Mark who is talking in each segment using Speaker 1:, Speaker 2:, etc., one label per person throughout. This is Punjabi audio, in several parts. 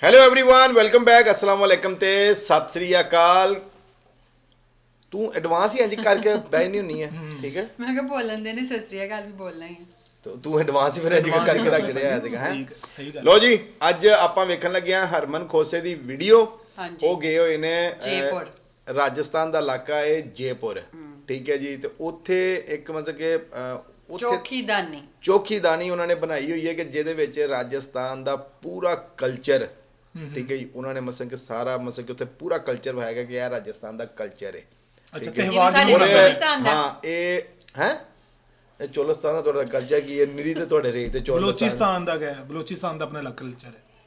Speaker 1: ਹੈਲੋ एवरीवन ਵੈਲਕਮ ਬੈਕ अस्सलाम वालेकुम ਤੇ ਸਤਿ ਸ੍ਰੀ ਅਕਾਲ। ਤੂੰ ਐਡਵਾਂਸ ਹੀ ਇੰਜ ਕਰਕੇ ਬੈਠਣੀ ਹੁੰਨੀ ਹੈ ਠੀਕ ਹੈ।
Speaker 2: ਮੈਂ ਕਿਹਾ ਬੋਲਣ ਦੇ ਨੇ ਸਤਿ ਸ੍ਰੀ ਅਕਾਲ ਵੀ ਬੋਲਣਾ ਹੀ
Speaker 1: ਤੂੰ ਐਡਵਾਂਸ ਹੀ ਫਿਰ ਇੰਜ ਕਰਕੇ ਰੱਖ ਚੜਿਆ ਸੀਗਾ ਹੈ।
Speaker 3: ਸਹੀ ਗੱਲ।
Speaker 1: ਲੋ ਜੀ ਅੱਜ ਆਪਾਂ ਵੇਖਣ ਲੱਗੇ ਆ ਹਰਮਨ ਖੋਸੇ ਦੀ ਵੀਡੀਓ।
Speaker 2: ਹਾਂਜੀ।
Speaker 1: ਉਹ ਗਏ ਹੋਏ ਨੇ
Speaker 2: ਜੈਪੁਰ।
Speaker 1: ਰਾਜਸਥਾਨ ਦਾ ਇਲਾਕਾ ਹੈ ਜੈਪੁਰ ਠੀਕ ਹੈ ਜੀ। ਤੇ ਉੱਥੇ ਇੱਕ ਮਤਲਬ ਕਿ ਚੌਕੀਦਾਨੀ ਉਹਨਾਂ ਨੇ ਬਣਾਈ ਹੋਈ ਹੈ ਕਿ ਜਿਹਦੇ ਵਿੱਚ ਰਾਜਸਥਾਨ ਦਾ ਪੂਰਾ ਕਲਚਰ ਠੀਕ ਹੈ ਜੀ। ਉਹਨਾਂ ਨੇ ਮਤਲਬ ਕਿ ਸਾਰਾ ਮਤਲਬ ਕਿ ਉੱਥੇ ਪੂਰਾ ਕਲਚਰ ਵਹਾਏਗਾ ਕਿ ਇਹ ਰਾਜਸਥਾਨ ਦਾ ਕਲਚਰ ਹੈ।
Speaker 3: ਅੱਛਾ
Speaker 1: ਠੀਕ ਹੈ।
Speaker 3: ਤਿਉਹਾਰ
Speaker 1: ਹਾਂ ਇਹ ਹੈ ਇਹ ਚੋਲਸਤਾਨ ਦਾ ਤੁਹਾਡਾ ਕਲਚਰ ਕੀ ਹੈ ਨਿਰੀ ਤੇ ਤੁਹਾਡੇ ਰੇਤ ਤੇ
Speaker 3: ਬਲੋਚਿਸਤਾਨ ਦਾ ਹੈ। ਬਲੋਚਿਸਤਾਨ ਦਾ ਆਪਣਾ ਅਲੱਗ ਕਲਚਰ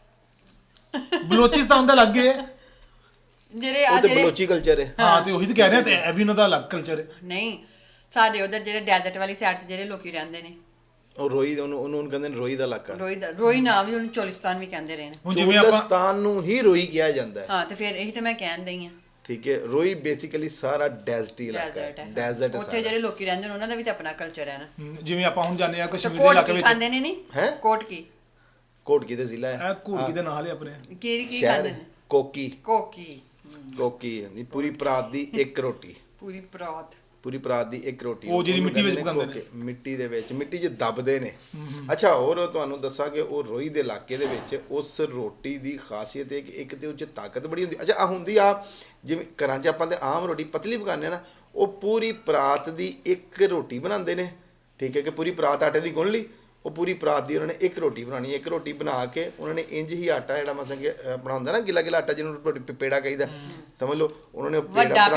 Speaker 3: ਹੈ। ਬਲੋਚਿਸਤਾਨ ਦਾ ਅਲੱਗ ਹੈ
Speaker 2: ਜਿਹੜੇ
Speaker 1: ਉਹ ਤੇ ਬਲੋਚੀ ਕਲਚਰ ਹੈ।
Speaker 3: ਹਾਂ ਤੇ ਉਹੀ ਤਾਂ ਕਹਿ ਰਹੇ ਤੇ ਇਹ ਵੀ ਉਹਨਾਂ ਦਾ ਅਲੱਗ ਕਲਚਰ ਹੈ।
Speaker 2: ਨਹੀਂ ਸਾਡੇ ਉਧਰ ਜਿਹੜੇ ਡੈਜ਼ਰਟ ਵਾਲੀ ਸਾਈਡ ਤੇ ਜਿਹੜੇ ਲੋਕੀ ਰਹਿੰਦੇ ਨੇ
Speaker 1: ਉਹ ਰੋਈ ਉਹਨੂੰ ਕਹਿੰਦੇ ਨੇ ਰੋਈ ਦਾ ਇਲਾਕਾ।
Speaker 2: ਰੋਈ ਨਾਮ ਵੀ ਉਹਨੂੰ ਚੋਲਿਸਤਾਨ ਵੀ ਕਹਿੰਦੇ ਰਹੇ ਨੇ।
Speaker 3: ਹੁਣ ਜਿਵੇਂ ਆਪਾਂ
Speaker 1: ਚੋਲਿਸਤਾਨ ਨੂੰ ਹੀ ਰੋਈ ਕਿਹਾ ਜਾਂਦਾ ਹੈ।
Speaker 2: ਹਾਂ ਤੇ ਫਿਰ ਇਹੀ ਤਾਂ ਮੈਂ ਕਹਿਣ ਦਈ ਆ
Speaker 1: ਠੀਕ ਹੈ। ਰੋਈ ਬੇਸਿਕਲੀ ਸਾਰਾ ਡੈਜ਼ਰਟ ਇਲਾਕਾ ਹੈ। ਡੈਜ਼ਰਟ
Speaker 2: ਉੱਥੇ ਜਿਹੜੇ ਲੋਕੀ ਰਹਿੰਦੇ ਨੇ ਉਹਨਾਂ ਦਾ ਵੀ ਤਾਂ ਆਪਣਾ ਕਲਚਰ ਹੈ ਨਾ।
Speaker 3: ਜਿਵੇਂ ਆਪਾਂ ਹੁਣ ਜਾਂਦੇ ਆ ਕਸ਼ਮੀਰ ਦੇ
Speaker 2: ਕੋਟ
Speaker 3: ਇਲਾਕੇ
Speaker 2: ਕੀ
Speaker 3: ਵਿੱਚ
Speaker 2: ਖਾਂਦੇ ਨੇ ਨਹੀਂ
Speaker 1: ਹੈਂ? ਕੋਟਕੀ ਦੇ ਜ਼ਿਲ੍ਹਾ ਹੈ।
Speaker 3: ਇਹ ਘੋੜਕੀ ਦੇ ਨਾਲ ਹੀ ਆਪਣੇ
Speaker 2: ਕੀ
Speaker 1: ਸ਼ਹਿਰ
Speaker 2: ਖਾਂਦੇ ਨੇ
Speaker 1: ਕੋਕੀ
Speaker 2: ਕੋਕੀ
Speaker 1: ਪੂਰੀ ਪਰਾਤ ਦੀ ਇੱਕ ਰੋਟੀ। ਪੂਰੀ ਪਰਾਤ ਦੀ ਇੱਕ ਰੋਟੀ
Speaker 3: ਉਹ ਜਿਹੜੀ ਮਿੱਟੀ ਵਿੱਚ ਪਕਾਉਂਦੇ ਨੇ।
Speaker 1: ਮਿੱਟੀ ਦੇ ਵਿੱਚ ਮਿੱਟੀ 'ਚ ਦੱਬਦੇ ਨੇ। ਅੱਛਾ ਹੋਰ ਤੁਹਾਨੂੰ ਦੱਸਾਂ ਕਿ ਉਹ ਰੋਈ ਦੇ ਇਲਾਕੇ ਦੇ ਵਿੱਚ ਉਸ ਰੋਟੀ ਦੀ ਖਾਸੀਅਤ ਹੈ ਕਿ ਇੱਕ ਤੇ ਉਹ 'ਚ ਤਾਕਤ ਬੜੀ ਹੁੰਦੀ। ਅੱਛਾ ਆ ਹੁੰਦੀ ਆ ਜਿਵੇਂ ਘਰਾਂ 'ਚ ਆਪਾਂ ਤੇ ਆਮ ਰੋਟੀ ਪਤਲੀ ਪਕਾਉਂਦੇ ਆ ਨਾ ਉਹ ਪੂਰੀ ਪਰਾਤ ਦੀ ਇੱਕ ਰੋਟੀ ਬਣਾਉਂਦੇ ਨੇ ਠੀਕ ਹੈ ਕਿ ਪੂਰੀ ਪਰਾਤ ਆਟੇ ਦੀ ਗੁੰਨ ਲਈ ਉਹ ਪੂਰੀ ਪਰਾਤ ਦੀ ਉਹਨਾਂ ਨੇ ਇੱਕ ਰੋਟੀ ਬਣਾਉਣੀ। ਇੱਕ ਰੋਟੀ ਬਣਾ ਕੇ ਉਹਨਾਂ ਨੇ ਇੰਜ ਹੀ ਆਟਾ ਜਿਹੜਾ ਮਸਾਂ ਕਿ ਆਪਣਾ ਹੁੰਦਾ ਨਾ ਗਿੱਲਾ ਗਿੱਲਾ ਆਟਾ ਜਿਹਨੂੰ ਪੇੜਾ ਕਹੀਦਾ ਸਮਝ ਲਓ ਉਹਨਾਂ ਨੇ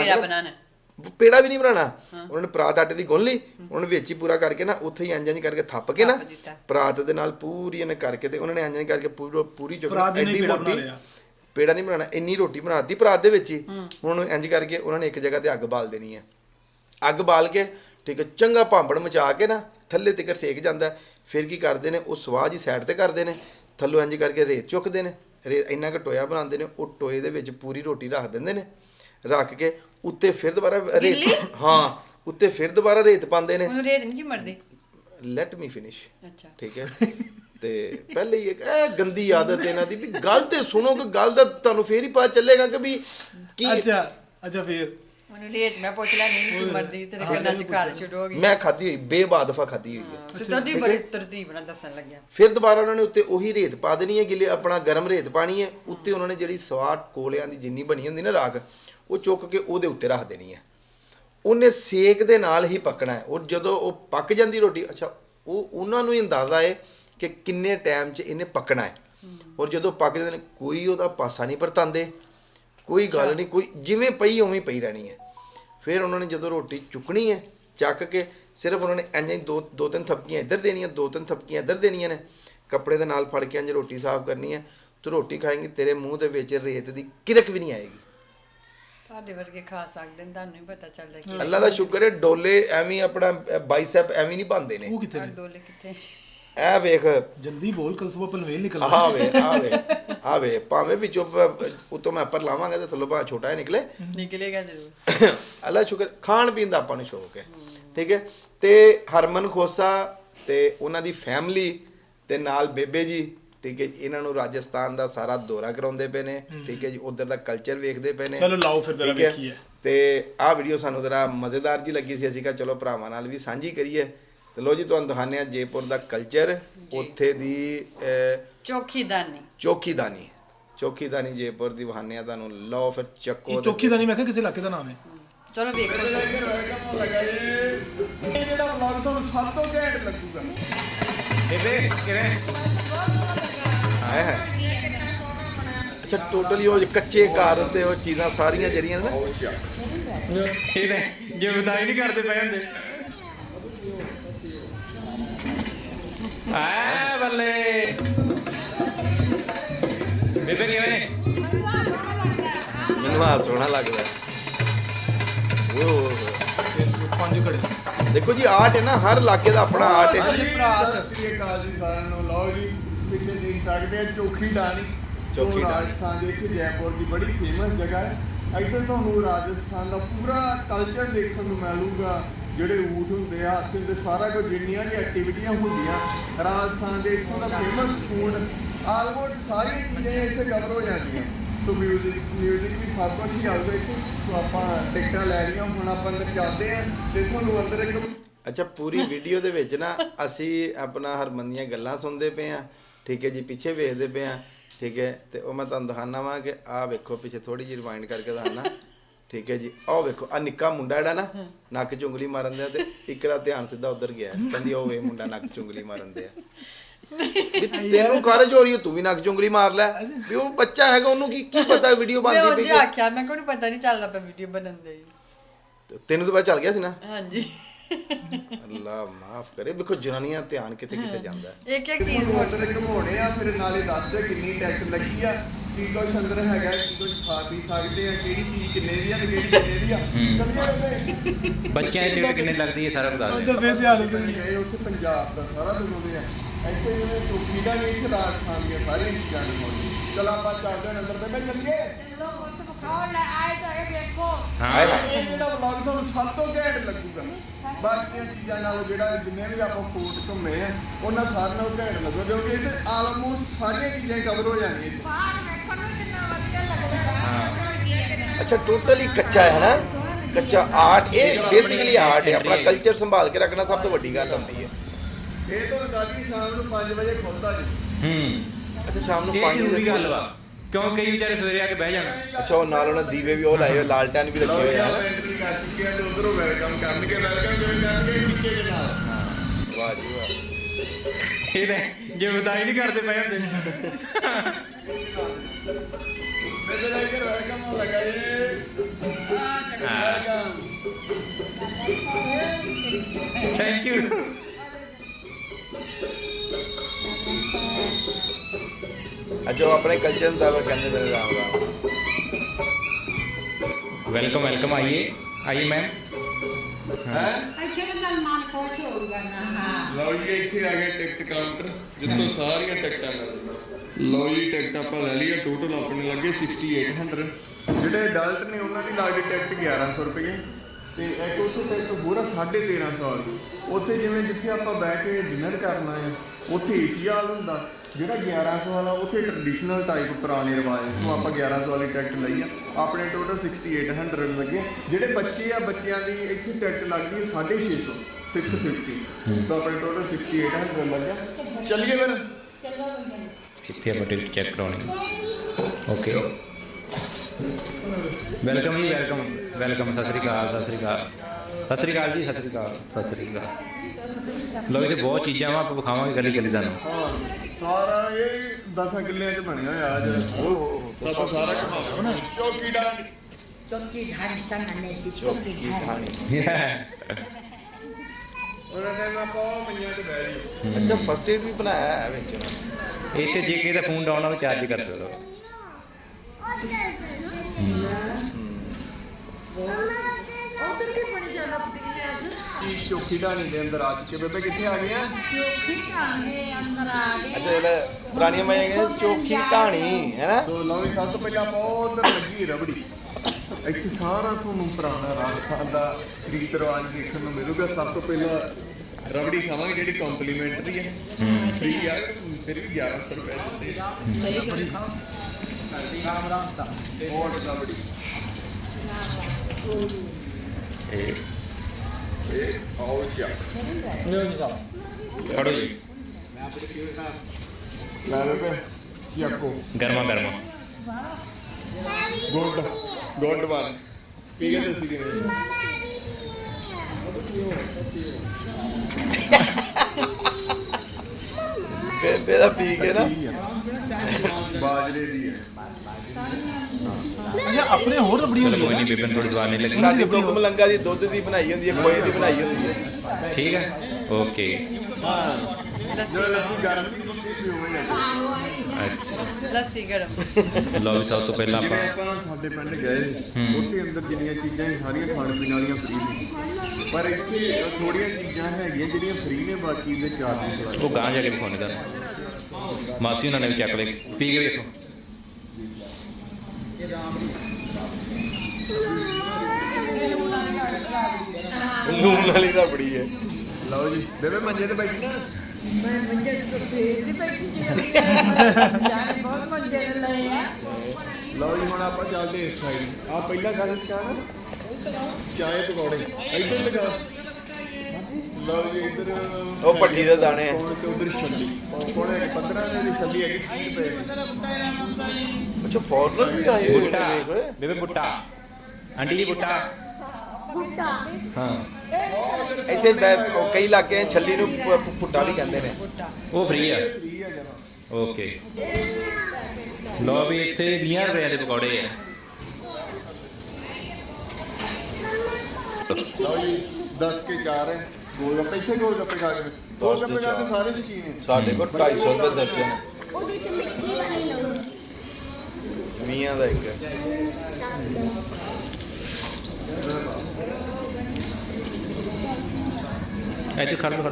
Speaker 1: ਪੇੜਾ ਵੀ ਨਹੀਂ ਬਣਾਉਣਾ। ਉਹਨਾਂ ਨੇ ਪਰਾਤ ਆਟੇ ਦੀ ਗੁੰਨ ਲਈ ਉਹਨਾਂ ਨੇ ਵਿੱਚ ਹੀ ਪੂਰਾ ਕਰਕੇ ਨਾ ਉੱਥੇ ਹੀ ਇੰਜ ਕਰਕੇ ਥੱਪ ਕੇ ਨਾ ਪਰਾਤ ਦੇ ਨਾਲ ਪੂਰੀ ਇਹਨੇ ਕਰਕੇ ਤੇ ਉਹਨਾਂ ਨੇ ਇੰਜ ਕਰਕੇ ਪੂਰੀ ਐਡੀ ਮੋਟੀ ਪੇੜਾ ਨਹੀਂ ਬਣਾਉਣਾ ਇੰਨੀ ਰੋਟੀ ਬਣਾਤੀ ਪਰਾਤ ਦੇ ਵਿੱਚ ਹੀ। ਹੁਣ ਇੰਜ ਕਰਕੇ ਉਹਨਾਂ ਨੇ ਇੱਕ ਜਗ੍ਹਾ ਤੇ ਅੱਗ ਬਾਲ ਦੇਣੀ ਹੈ। ਅੱਗ ਬਾਲ ਕੇ ਠੀਕ ਹੈ ਚੰਗਾ ਭਾਂਬੜ ਮਚਾ ਕੇ ਨਾ ਥੱਲੇ ਤੱਕ ਸੇਕ ਜਾਂਦਾ। ਫਿਰ ਕੀ ਕਰਦੇ ਨੇ ਉਹ ਸਵਾਹ ਜੀ ਸਾਈਡ ਤੇ ਕਰਦੇ ਨੇ ਥੱਲੋਂ ਇੰਜ ਕਰਕੇ ਰੇਤ ਚੁੱਕਦੇ ਨੇ। ਰੇਤ ਇੰਨਾ ਕੁ ਟੋਇਆ ਬਣਾਉਂਦੇ ਨੇ ਉਹ ਟੋਏ ਦੇ ਵਿੱਚ ਪੂਰੀ ਰੋਟੀ ਰੱਖ ਦਿੰਦੇ ਨੇ। ਰੱਖ ਕੇ ਉੱਤੇ ਫਿਰ ਦੁਬਾਰਾ ਰੇਤ ਉੱਤੇ ਫਿਰ ਦੁਬਾਰਾ ਰੇਤ ਪਾਉਂਦੇ ਨੇ।
Speaker 2: ਉਹਨੂੰ ਰੇਤ ਨਹੀਂ ਚਿਮੜਦੀ।
Speaker 1: ਲੈਟ ਮੀ ਫਿਨਿਸ਼
Speaker 2: ਅੱਛਾ
Speaker 1: ਠੀਕ ਹੈ। ਤੇ ਪਹਿਲੇ ਹੀ ਇਹ ਗੰਦੀ ਆਦਤ ਇਹਨਾਂ ਦੀ ਵੀ ਗੱਲ ਤੇ ਸੁਣੋ ਕਿ ਗੱਲ ਦਾ ਤੁਹਾਨੂੰ ਫੇਰ ਹੀ ਪਤਾ ਚੱਲੇਗਾ ਕਿ ਵੀ ਕੀ।
Speaker 3: ਅੱਛਾ ਫੇਰ
Speaker 2: ਉਹਨੂੰ ਰੇਤ ਮੈਂ ਪੁੱਛ ਲਿਆ ਨਹੀਂ ਚਿਮੜਦੀ ਤੇਰੇ ਕੰਨਾਂ 'ਚ ਘਰ ਸ਼ੁਰੂ ਹੋ ਗਈ।
Speaker 1: ਮੈਂ ਖਾਧੀ ਹੋਈ ਬੇਬਾਦਫਾ ਖਾਧੀ ਹੋਈ ਹੈ
Speaker 2: ਤੇ ਤਦੀ ਬੜੀ ਤਰਤੀਬ ਨਾਲ ਦੱਸਣ ਲੱਗਿਆ।
Speaker 1: ਫਿਰ ਦੁਬਾਰਾ ਉਹਨਾਂ ਨੇ ਉੱਤੇ ਉਹੀ ਰੇਤ ਪਾ ਦੇਣੀ ਹੈ ਗਿੱਲੇ ਆਪਣਾ ਗਰਮ ਰੇਤ ਪਾਣੀ ਹੈ। ਉੱਤੇ ਉਹਨਾਂ ਨੇ ਜਿਹੜੀ ਸਵਾਦ ਕੋਲਿਆਂ ਦੀ ਜਿੰਨੀ ਬਣੀ ਹੁੰਦੀ ਨਾ ਰਾਖ ਉਹ ਚੁੱਕ ਕੇ ਉਹਦੇ ਉੱਤੇ ਰੱਖ ਦੇਣੀ ਹੈ। ਉਹਨੇ ਸੇਕ ਦੇ ਨਾਲ ਹੀ ਪੱਕਣਾ ਹੈ। ਔਰ ਜਦੋਂ ਉਹ ਪੱਕ ਜਾਂਦੀ ਰੋਟੀ ਅੱਛਾ ਉਹ ਉਹਨਾਂ ਨੂੰ ਹੀ ਅੰਦਾਜ਼ਾ ਹੈ ਕਿ ਕਿੰਨੇ ਟਾਈਮ 'ਚ ਇਹਨੇ ਪੱਕਣਾ ਹੈ। ਔਰ ਜਦੋਂ ਪੱਕ ਜਾਂਦੇ ਨੇ ਕੋਈ ਉਹਦਾ ਪਾਸਾ ਨਹੀਂ ਪਰਤਾਉਂਦੇ ਕੋਈ ਗੱਲ ਨਹੀਂ ਕੋਈ ਜਿਵੇਂ ਪਈ ਉਵੇਂ ਪਈ ਰਹਿਣੀ ਹੈ। ਫਿਰ ਉਹਨਾਂ ਨੇ ਜਦੋਂ ਰੋਟੀ ਚੁੱਕਣੀ ਹੈ ਚੱਕ ਕੇ ਸਿਰਫ ਉਹਨਾਂ ਨੇ ਇੰਝ ਦੋ ਤਿੰਨ ਥਪਕੀਆਂ ਇੱਧਰ ਦੇਣੀਆਂ ਦੋ ਤਿੰਨ ਥਪਕੀਆਂ ਇੱਧਰ ਦੇਣੀਆਂ ਨੇ। ਕੱਪੜੇ ਦੇ ਨਾਲ ਫੜ ਕੇ ਇੰਝ ਰੋਟੀ ਸਾਫ਼ ਕਰਨੀ ਹੈ। ਤੂੰ ਰੋਟੀ ਖਾਏਂਗੀ ਤੇਰੇ ਮੂੰਹ ਦੇ ਵਿੱਚ ਰੇਤ ਦੀ ਕਿਰਕ ਵੀ ਨਹੀਂ ਆਏਗੀ।
Speaker 2: ਤੁਹਾਡੇ ਵਰਗੇ ਖਾ ਸਕਦੇ ਨੇ ਤੁਹਾਨੂੰ ਨਹੀਂ ਪਤਾ ਚੱਲਦਾ ਕਿ
Speaker 1: ਅੱਲਾ ਦਾ ਸ਼ੁਕਰ ਹੈ ਡੋਲੇ ਐਵੇਂ ਆਪਣਾ ਬਾਈਸੈਪ ਐਵੇਂ ਨਹੀਂ ਬਣਦੇ ਨੇ।
Speaker 3: ਉਹ ਕਿੱਥੇ ਨੇ
Speaker 2: ਡੋਲੇ ਕਿੱਥੇ
Speaker 1: ਇਹ ਵੇਖ
Speaker 3: ਜਲਦੀ ਬੋਲ ਕੱਲ ਸਵੇਰ ਪਨਵੇਲ ਨਿਕਲ
Speaker 1: ਆਵੇ ਭਾਵੇਂ ਵਿੱਚੋਂ ਉਤੋਂ ਮੈਂ ਉੱਪਰ ਲਾਵਾਂਗਾ ਤੇ ਥੱਲੋਂ ਭਾਵੇਂ ਛੋਟਾ ਹੀ
Speaker 2: ਨਿਕਲੇਗਾ ਜ਼ਰੂਰ।
Speaker 1: ਅੱਲਾ ਸ਼ੁਕਰ ਖਾਣ ਪੀਣ ਦਾ ਆਪਾਂ ਨੂੰ ਸ਼ੌਕ ਹੈ ਠੀਕ ਹੈ। ਤੇ ਹਰਮਨ ਖੋਸਾ ਤੇ ਉਹਨਾਂ ਦੀ ਫੈਮਿਲੀ ਤੇ ਨਾਲ ਬੇਬੇ ਜੀ ਠੀਕ ਹੈ ਇਹਨਾਂ ਨੂੰ ਰਾਜਸਥਾਨ ਦਾ ਸਾਰਾ ਦੌਰਾ ਕਰਾਉਂਦੇ ਪਏ ਨੇ ਠੀਕ ਹੈ ਜੀ। ਉਧਰ ਦਾ ਕਲਚਰ ਵੇਖਦੇ ਪਏ ਨੇ।
Speaker 3: ਚਲੋ ਲਾਓ ਫਿਰ ਜਰਾ ਵੇਖੀਏ।
Speaker 1: ਤੇ ਆਹ ਵੀਡੀਓ ਸਾਨੂੰ ਜ਼ਰਾ ਮਜ਼ੇਦਾਰ ਜੀ ਲੱਗੀ ਸੀ। ਅਸੀਂ ਕਿਹਾ ਚਲੋ ਭਰਾਵਾਂ ਨਾਲ ਵੀ ਸਾਂਝੀ ਕਰੀਏ। ਤੇ ਲੋ ਜੀ ਤੁਹਾਨੂੰ ਦਿਖਾਉਂਦੇ ਹਾਂ ਜੈਪੁਰ ਦਾ ਕਲਚਰ ਉੱਥੇ ਦੀ ਚੌਕੀਦਾਨੀ ਜੈਪੁਰ ਦੀ ਦਿਖਾਉਂਦੇ ਹਾਂ ਤੁਹਾਨੂੰ। ਲਓ ਫਿਰ ਚੱਕੋ।
Speaker 3: ਚੌਕੀਦਾਨੀ ਮੈਂ ਕਿਹਾ ਕਿਸੇ ਇਲਾਕੇ ਦਾ ਨਾਮ ਹੈ।
Speaker 2: ਚਲੋ ਵੇਖੋ
Speaker 1: ਇਹ ਜਿਹੜਾ ਵਲੌਗ ਤੁਹਾਨੂੰ ਸਭ ਤੋਂ ਘੈਂਟ ਲੱਗੂਗਾ। ਬੇਬੇ ਕਿਵੇਂ ਹੈ ਅੱਛਾ ਟੋਟਲੀ ਉਹ ਕੱਚੇ ਘਰ ਤੇ ਉਹ ਚੀਜ਼ਾਂ ਸਾਰੀਆਂ ਜਿਹੜੀਆਂ ਨਾ
Speaker 4: ਇਹ ਜੇ ਬਤਾਈ ਨਹੀਂ ਕਰਦੇ ਪਏ ਹੁੰਦੇ ਆ ਬੱਲੇ ਬੇਬੇ ਕਿਵੇਂ
Speaker 1: ਮੈਨੂੰ ਆ ਸੋਹਣਾ ਲੱਗਦਾ। ਉਹ
Speaker 3: 5 ਘੜੇ
Speaker 1: ਦੇਖੋ ਜੀ ਆਰਟ ਹੈ ਨਾ ਹਰ ਇਲਾਕੇ ਦਾ ਆਪਣਾ ਆਰਟ ਹੈ।
Speaker 5: ਸਤਿ ਸ੍ਰੀ ਅਕਾਲ ਜੀ ਸਾਰਿਆਂ ਨੂੰ। ਲਓ ਜੀ ਪਿੱਛੇ ਦੇਖ ਸਕਦੇ ਆ ਚੌਕੀਦਾਨੀ ਰਾਜਸਥਾਨ ਦੇ ਵਿੱਚ ਜੈਪੁਰ ਦੀ ਬੜੀ ਫੇਮਸ ਜਗ੍ਹਾ ਹੈ। ਇੱਥੇ ਤੁਹਾਨੂੰ ਰਾਜਸਥਾਨ ਦਾ ਪੂਰਾ ਕਲਚਰ ਦੇਖਣ ਨੂੰ ਮਿਲੂਗਾ। ਜਿਹੜੇ ਊਠ ਹੁੰਦੇ ਆ ਤੇ ਸਾਰਾ ਕੁਝ ਜਿੰਨੀਆਂ ਵੀ ਐਕਟੀਵਿਟੀਆਂ ਹੁੰਦੀਆਂ ਰਾਜਸਥਾਨ ਦੇ ਇੱਥੋਂ ਦਾ ਫੇਮਸ ਫੂਡ ਆਲਮੋਸਟ ਸਾਰੀਆਂ ਚੀਜ਼ਾਂ ਇੱਥੇ ਕਵਰ ਹੋ ਜਾਂਦੀਆਂ। ਸੋ ਮਿਊਜ਼ਿਕ ਵੀ ਸਭ ਕੁਝ ਹੀ ਆਊਗਾ ਇੱਥੇ। ਸੋ ਆਪਾਂ ਟਿਕਟਾਂ ਲੈ ਲਈਆਂ, ਹੁਣ ਆਪਾਂ ਅੰਦਰ ਚੱਲਦੇ ਹਾਂ ਤੇ ਤੁਹਾਨੂੰ ਅੰਦਰ ਇੱਕ
Speaker 1: ਅੱਛਾ ਪੂਰੀ ਵੀਡੀਓ ਦੇ ਵਿੱਚ ਨਾ ਅਸੀਂ ਆਪਣਾ ਹਰਮਨ ਦੀਆਂ ਗੱਲਾਂ ਸੁਣਦੇ ਪਏ ਆ, ਠੀਕ ਹੈ ਜੀ, ਪਿੱਛੇ ਵੇਖਦੇ ਪਏ ਆ, ਠੀਕ ਹੈ। ਤੇ ਉਹ ਮੈਂ ਤੁਹਾਨੂੰ ਦਿਖਾਣਾ ਵਾ ਕਿ ਆਹ ਵੇਖੋ ਪਿੱਛੇ ਥੋੜੀ ਜਿਹੀ ਰਿਵਾਈਂਡ ਕਰਕੇ ਦਿਖਾਣਾ, ਠੀਕ ਹੈ ਜੀ। ਆਹ ਵੇਖੋ ਆ ਨਿੱਕਾ ਮੁੰਡਾ ਜਿਹੜਾ ਨਾ ਨੱਕ ਚੁੰਗਲੀ ਮਾਰਨ ਦਿਆ ਤੇ ਇੱਕ ਦਾ ਧਿਆਨ ਸਿੱਧਾ ਉਧਰ ਗਿਆ, ਕਹਿੰਦੀ ਉਹ ਵੇ ਮੁੰਡਾ ਨੱਕ ਚੁੰਗਲੀ ਮਾਰਨ ਦਿਆ। ਵੀ ਤੈਨੂੰ ਕਾਰਜ ਹੋ ਰਹੀ ਤੂੰ ਵੀ ਨੱਕ ਚੁੰਗਲੀ ਮਾਰ ਲੈ, ਵੀ ਉਹ ਬੱਚਾ ਹੈਗਾ ਉਹਨੂੰ ਕੀ ਪਤਾ ਵੀਡੀਓ
Speaker 2: ਮੈਂ
Speaker 1: ਬਣਦੀ
Speaker 2: ਉਹ
Speaker 1: ਪਈ ਹੈ।
Speaker 2: ਆਖਿਆ ਮੈਂ ਕੋਈ ਪਤਾ ਨਹੀਂ ਚੱਲਦਾ ਪਿਆ ਵੀਡੀਓ ਬਣਨ ਦੇ।
Speaker 1: ਤੈਨੂੰ ਤਾਂ ਪਤਾ ਚੱਲ ਗਿਆ ਸੀ ਨਾ।
Speaker 2: ਹਾਂਜੀ
Speaker 1: ਅੱਲਾ ਮਾਫ ਕਰੇ, ਵੇਖੋ ਜਨਾਨੀਆਂ ਧਿਆਨ ਕਿਤੇ ਕਿਤੇ ਜਾਂਦਾ ਹੈ।
Speaker 2: ਇੱਕ ਇੱਕ ਚੀਜ਼
Speaker 5: ਤੁਹਾਨੂੰ ਅੰਦਰ ਘੁਮਾਉਣੇ ਆ, ਫਿਰ ਨਾਲੇ ਦੱਸਦੇ ਕਿੰਨੀ ਟੈਕਸ ਲੱਗੀ ਆ, ਕੀ ਕੁਛ ਅੰਦਰ ਹੈਗਾ, ਕੀ ਕੁਛ ਖਾ ਪੀ ਸਕਦੇ ਆ, ਕਿਹੜੀ ਚੀਜ਼ ਕਿੰਨੇ ਦੀ ਆ ਤੇ ਕਿਹੜੀ ਕਿੰਨੇ ਦੀ ਆ। ਚੱਲੀਏ
Speaker 4: ਬੱਚਿਆਂ ਦੀ ਟਿਕਟ ਕਿੰਨੇ ਲੱਗਦੀ ਹੈ ਸਾਰਾ ਬਤਾ
Speaker 3: ਉਧਰ
Speaker 4: ਦੇ।
Speaker 3: ਫੇਰ ਧਿਆਨ
Speaker 5: ਉੱਥੇ ਗਏ, ਉੱਥੇ ਪੰਜਾਬ ਦਾ ਸਾਰਾ ਦਿਖਾਉਂਦੇ ਆ। ਇੱਥੇ ਜਿਵੇਂ ਚੌਕੀ ਦਾ ਨਹੀਂ, ਇੱਥੇ ਰਾਜਸਥਾਨ ਦੀਆਂ ਸਾਰੀਆਂ ਚੀਜ਼ਾਂ ਦਿਖਾਉਂਦੇ। ਚਲ ਆਪਾਂ ਚੱਲਦੇ ਹਾਂ ਅੰਦਰ, ਬੇਬੇ ਚੱਲੀਏ।
Speaker 4: ਹਾਂ
Speaker 5: ਇਹ ਜਿਹੜਾ ਵਲੌਗ ਤੁਹਾਨੂੰ ਸਭ ਤੋਂ ਘੈਂਟ ਲੱਗੂਗਾ ਬਾਕੀਆਂ ਚੀਜ਼ਾਂ ਨਾਲੋਂ। ਜਿਹੜਾ ਜਿੰਨੇ ਵੀ ਆਪਾਂ ਫੂਡ ਘੁੰਮੇ ਆ ਉਹਨਾਂ ਸਾਰਿਆਂ ਨਾਲੋਂ ਘੈਂਟ ਲੱਗੂ, ਕਿਉਂਕਿ ਇੱਥੇ ਆਲਮੋਸਟ ਸਾਰੀਆਂ ਚੀਜ਼ਾਂ ਕਵਰ ਹੋ ਜਾਣਗੀਆਂ ਇੱਥੇ।
Speaker 1: ਅੱਛਾ ਟੋਟਲੀ ਕੱਚਾ ਹੈ ਨਾ, ਕੱਚਾ ਆਰਟ। ਇਹ ਬੇਸਿਕਲੀ ਆਰਟ ਹੈ, ਆਪਣਾ ਕਲਚਰ ਸੰਭਾਲ ਕੇ ਰੱਖਣਾ ਸਭ ਤੋਂ ਵੱਡੀ ਗੱਲ ਹੁੰਦੀ ਹੈ।
Speaker 5: ਇਹ ਤੋਂ ਦਾਦੀ ਸ਼ਾਮ ਨੂੰ 5 ਵਜੇ ਖੁੱਲਦਾ ਜੀ।
Speaker 1: ਅੱਛਾ ਸ਼ਾਮ ਨੂੰ
Speaker 4: ਇਹ
Speaker 1: 5
Speaker 4: ਜ਼ਰੂਰੀ
Speaker 1: ਵਜੇ
Speaker 4: ਗੱਲ ਵਾ, ਕਿਉਂ ਕਈ ਵਿਚਾਰੇ ਸਵੇਰੇ ਆ ਕੇ ਬਹਿ ਜਾਣਾ।
Speaker 1: ਅੱਛਾ ਉਹ ਨਾਲ ਉਹਨਾਂ ਦੀਵੇ ਵੀ ਉਹ ਲਾਏ ਹੋਏ, ਲਾਲਟੈਨ ਵੀ ਰੱਖੇ ਹੋਏ ਆ।
Speaker 5: ਐਂਟਰੀ ਕਰ ਚੁੱਕੇ ਆ ਤੇ ਉਧਰੋਂ ਵੈਲਕਮ ਕਰਨਗੇ, ਵੈਲਕਮ ਜਿਵੇਂ ਕਰਨਗੇ ਟਿੱਕੇ ਦੇ ਨਾਲ।
Speaker 1: ਵਾਹ ਜੀ ਵਾਹ।
Speaker 4: ਇਹ ਤਾਂ ਜੇ ਬਤਾਈ ਨਹੀਂ ਕਰਦੇ ਪਏ ਹੁੰਦੇ।
Speaker 5: ਮੇਰੇ ਲਈ ਕਿ ਵੈਲਕਮ ਹੋ ਲਗਾ ਜੀ। ਵੈਲਕਮ।
Speaker 4: Thank you.
Speaker 1: ਅੱਛਾ ਉਹ ਆਪਣੇ ਕਲਚਰ ਦਾ ਕਹਿੰਦੇ ਮੇਰੇ ਰਾਮ ਰਾਮ।
Speaker 4: वेलकम वेलकम, आइए आइए मैम।
Speaker 5: ਲਓ ਜੀ ਇੱਥੇ ਆ ਗਏ ਟਿਕਟ ਕਾਊਂਟਰ ਜਿੱਥੋਂ ਸਾਰੀਆਂ ਟਿਕਟਾਂ ਮਿਲਦੀਆਂ। ਲਓ ਜੀ ਟਿਕਟ ਆਪਾਂ ਲੈ ਲਈ, ਟੋਟਲ ਆਪਣੇ ਲੱਗੇ 6800। ਜਿਹੜੇ ਅਡਲਟ ਨੇ ਉਹਨਾਂ ਦੀ ਲੱਗਦੀ ਟਿਕਟ 1100 ਰੁਪਏ ਤੇ ਇੱਕ ਉੱਥੇ ਟਿਕਟ ਪੂਰਾ 1350 ਦੀ। ਉੱਥੇ ਜਿਵੇਂ ਜਿੱਥੇ ਆਪਾਂ ਬਹਿ ਕੇ ਡਿਨਰ ਕਰਨਾ ਹੈ ਉੱਥੇ ਏਸੀ ਹਾਲ ਹੁੰਦਾ, ਜਿਹੜਾ 1100 ਵਾਲਾ ਉੱਥੇ ਟ੍ਰੈਡੀਸ਼ਨਲ ਟਾਈਪ ਪੁਰਾਣੇ ਰਿਵਾਜ ਤੋਂ ਆਪਾਂ 1100 ਵਾਲੀ ਟਿਕਟ ਲਈ ਆ। ਆਪਣੇ ਟੋਟਲ 6800 ਲੱਗੇ। ਜਿਹੜੇ ਬੱਚੇ ਆ ਬੱਚਿਆਂ ਦੀ ਇੱਥੇ ਟਿਕਟ ਲੱਗਦੀ ਹੈ 650 650 ਤਾਂ ਆਪਣੇ ਟੋਟਲ 6800 ਲੱਗਿਆ। ਚੱਲੀਏ ਫਿਰ।
Speaker 4: कितने आप टिकट चेक करवानी। ओके वेलकम जी, वेलकम वेलकम। सत श्री अकाल, सत श्री अकाल, सत श्री अकाल जी, सत श्री अकाल, सत श्री अकाल। लो इतने बहुत चीज़ां वा विखावांगे गली गली तुहानूं।
Speaker 5: ਸਾਰਾ ਇਹ 10 ਕਿੱਲਿਆਂ 'ਚ ਬਣਿਆ ਹੋਇਆ ਅੱਜ। ਆਪਾਂ ਸਾਰਾ ਘੁਮਾਉਣਾ ਚੌਕੀ ਡਾਂਗ।
Speaker 6: चौकी ढाणी संगने सी चौकी ढाणी
Speaker 5: ਉਹਨਾਂ ਨੇ ਨਾ ਪਾਉ ਮੰਨਿਆ ਤੇ ਬਹਿ ਰਹੀ।
Speaker 1: ਅੱਛਾ ਫਸਟ ਏਡ ਵੀ ਬਣਾਇਆ ਹੈ ਵਿੱਚ ਉਹਨਾਂ ਨੇ।
Speaker 4: ਇੱਥੇ ਜੇ ਕਿਸੇ ਦਾ ਫੋਨ ਡਾਊਨ ਹੋਵੇ ਚਾਰਜ ਕਰ ਸਕਦਾ।
Speaker 5: ਕੀ ਚੌਕੀ ਢਾਣੀ ਦੇ ਅੰਦਰ ਆ ਚੁੱਕੇ। ਬੇਬੇ ਕਿੱਥੇ ਆ ਗਏ ਆ?
Speaker 1: ਅੱਛਾ ਜਿਹੜਾ ਪੁਰਾਣੀਆਂ ਮਾਈਆਂ ਕਹਿੰਦੇ ਚੋਖੀ ਢਾਣੀ ਹੈ ਨਾ।
Speaker 5: ਸੋ ਲਓ ਜੀ ਸਭ ਤੋਂ ਪਹਿਲਾਂ ਆਪਾਂ ਉਧਰ ਲੱਗੀ ਰਬੜੀ। ਇੱਥੇ ਸਾਰਾ ਤੁਹਾਨੂੰ ਪੁਰਾਣਾ ਰਾਜਸਥਾਨ ਦਾ ਰੀਤ ਰਿਵਾਜ ਦੇਖਣ ਨੂੰ ਮਿਲੂਗਾ। ਸਭ ਤੋਂ ਪਹਿਲਾਂ ਰਬੜੀ ਖਾਵਾਂਗੇ ਜਿਹੜੀ ਕੰਪਲੀਮੈਂਟਰੀ ਹੈ, ਫ੍ਰੀ ਆ, ਫਿਰ ਵੀ 1100 ਰੁਪਏ ਦਿੰਦੇ ਆ। ਹੋਰ ਰਬੜੀ ਇਹ ਆਓ ਜੀ
Speaker 4: ਫੜੋ ਜੀ,
Speaker 5: ਲੈ ਬੇਬੇ ਯਾਕੋ
Speaker 4: ਗਰਮਾ ਗਰਮਾ।
Speaker 5: ਗੁੱਡ ਵਨ ਪੀ ਕੇ ਤੁਸੀਂ ਕਿਵੇਂ?
Speaker 1: ਬੇਬੇ ਦਾ ਪੀ ਕੇ ਨਾ
Speaker 5: ਬਾਜਰੇ ਦੀ ਹੈ।
Speaker 3: ਅੱਛਾ ਆਪਣੇ ਹੋਰ ਰਬੜੀਆਂ
Speaker 4: ਚਲੋ ਕੋਈ
Speaker 3: ਹੁੰਦੀਆਂ
Speaker 4: ਨਹੀਂ, ਬੇਬੇ ਨੂੰ ਥੋੜੀ ਜਵਾਨ ਨਹੀਂ ਲੱਗੀ।
Speaker 1: ਸਾਡੀ ਦੁੱਖ ਮਲੰਗਾ ਦੀ ਦੁੱਧ ਦੀ ਬਣਾਈ ਹੁੰਦੀ ਹੈ, ਖੋਏ ਦੀ ਬਣਾਈ ਹੁੰਦੀ ਹੈ।
Speaker 4: ਠੀਕ ਹੈ ਓਕੇ।
Speaker 5: ਜੋ ਲੱਸੀ ਗਰਮ ਨਹੀਂ ਹੁੰਦੀ ਪੀਓਗੇ
Speaker 4: ਅੱਛਾ
Speaker 2: ਲੱਸੀ ਗਰਮ।
Speaker 4: ਲਓ ਵੀ ਸਭ ਤੋਂ ਪਹਿਲਾਂ
Speaker 5: ਜਿਵੇਂ
Speaker 4: ਆਪਾਂ
Speaker 5: ਆਪਾਂ ਸਾਡੇ ਪਿੰਡ ਗਏ ਉੱਥੇ ਅੰਦਰ ਜਿੰਨੀਆਂ ਚੀਜ਼ਾਂ ਸੀ ਸਾਰੀਆਂ ਖਾਣ ਪੀਣ ਵਾਲੀਆਂ ਫ੍ਰੀ ਨੇ, ਪਰ ਇੱਥੇ ਥੋੜੀਆਂ ਚੀਜ਼ਾਂ ਹੈਗੀਆਂ ਜਿਹੜੀਆਂ ਫ੍ਰੀ ਨੇ, ਬਾਕੀ ਦੇ ਚਾਰਜਿਸ ਲੱਗਦੇ।
Speaker 4: ਉਹ ਗਾਂ ਜਾ ਕੇ ਵਿਖਾਉਣੇ ਤੁਹਾਨੂੰ। ਮਾਸੀ ਉਹਨਾਂ ਨੇ ਵੀ ਚੱਕ ਲਏ, ਪੀ ਕੇ ਵੇਖੋ।
Speaker 1: ਨੂਨ ਵਾਲੀ ਰਬੜੀ ਹੈ।
Speaker 5: ਲਓ ਜੀ ਬੇਬੇ ਮੰਜੇ ਤੇ ਬੈਠੀ ਨਾ
Speaker 6: ਮੈਂ ਮੰਜੇ ਤੇ ਫੇਰ ਦੀ ਬੈਠੀ ਸੀ ਜਾਨੇ ਬਹੁਤ ਮੰਜੇ ਲਏ ਆ
Speaker 5: ਲਓ ਜੀ ਹੁਣ ਆਪਾਂ ਚੱਲਦੇ ਇਸ ਸਾਈਡ ਆ ਪਹਿਲਾ ਗੱਲ ਕਿਹਾ ਨਾ ਚਾਏ ਪਕੌੜੇ ਇੱਧਰ ਲਗਾ ਲਓ ਜੀ ਇੱਧਰ
Speaker 1: ਉਹ ਭੱਠੀ ਦੇ ਦਾਣੇ
Speaker 5: ਕੌਣ ਤੇ ਉਧਰ ਛੱਲੀ ਕੋਣੇ 15 ਦੇ ਛੱਲੀ ਹੈਗੀ 30 ਰੁਪਏ
Speaker 1: ਅੱਛਾ ਫੋਰਨਰ ਵੀ ਆਏ ਹੋਏ
Speaker 4: ਬੁੱਟਾ
Speaker 1: ਨੇ ਵੇਖ ਓਏ।
Speaker 4: ਬੇਬੇ ਬੁੱਟਾ ਆਂਟੀ ਜੀ ਬੁੱਟਾ ਹਾਂ
Speaker 1: ਇੱਥੇ ਉਹ ਕਈ ਇਲਾਕੇ ਛੱਲੀ ਨੂੰ ਪੁੱਟਾ ਵੀ ਕਹਿੰਦੇ ਨੇ।
Speaker 4: ਉਹ ਫ੍ਰੀ ਆ
Speaker 5: ਫ੍ਰੀ ਆ ਜਰਾ
Speaker 4: ਓਕੇ ਲੋ ਵੀ ਇੱਥੇ 20 ਰੁਪਏ ਦੇ ਪਕੌੜੇ ਆ
Speaker 5: ਲਓ ਜੀ 10 ਕੇ 4 ਹੈ ਗੋਲ ਗੱਪੇ ਇੱਥੇ ਗੋਲ ਗੱਪੇ ਖਾ ਕੇ ਗੋਲ ਗੱਪੇ ਖਾ ਕੇ ਸਾਰੇ ਸ਼ੌਕੀਨ ਹੈ
Speaker 1: ਸਾਡੇ ਕੋਲ 250 ਰੁਪਏ ਦਰਜਨ ਹੈ। ਮੀਆਂ ਦਾ ਇੱਕ
Speaker 4: ਇੱਥੇ ਖੜ ਲਓ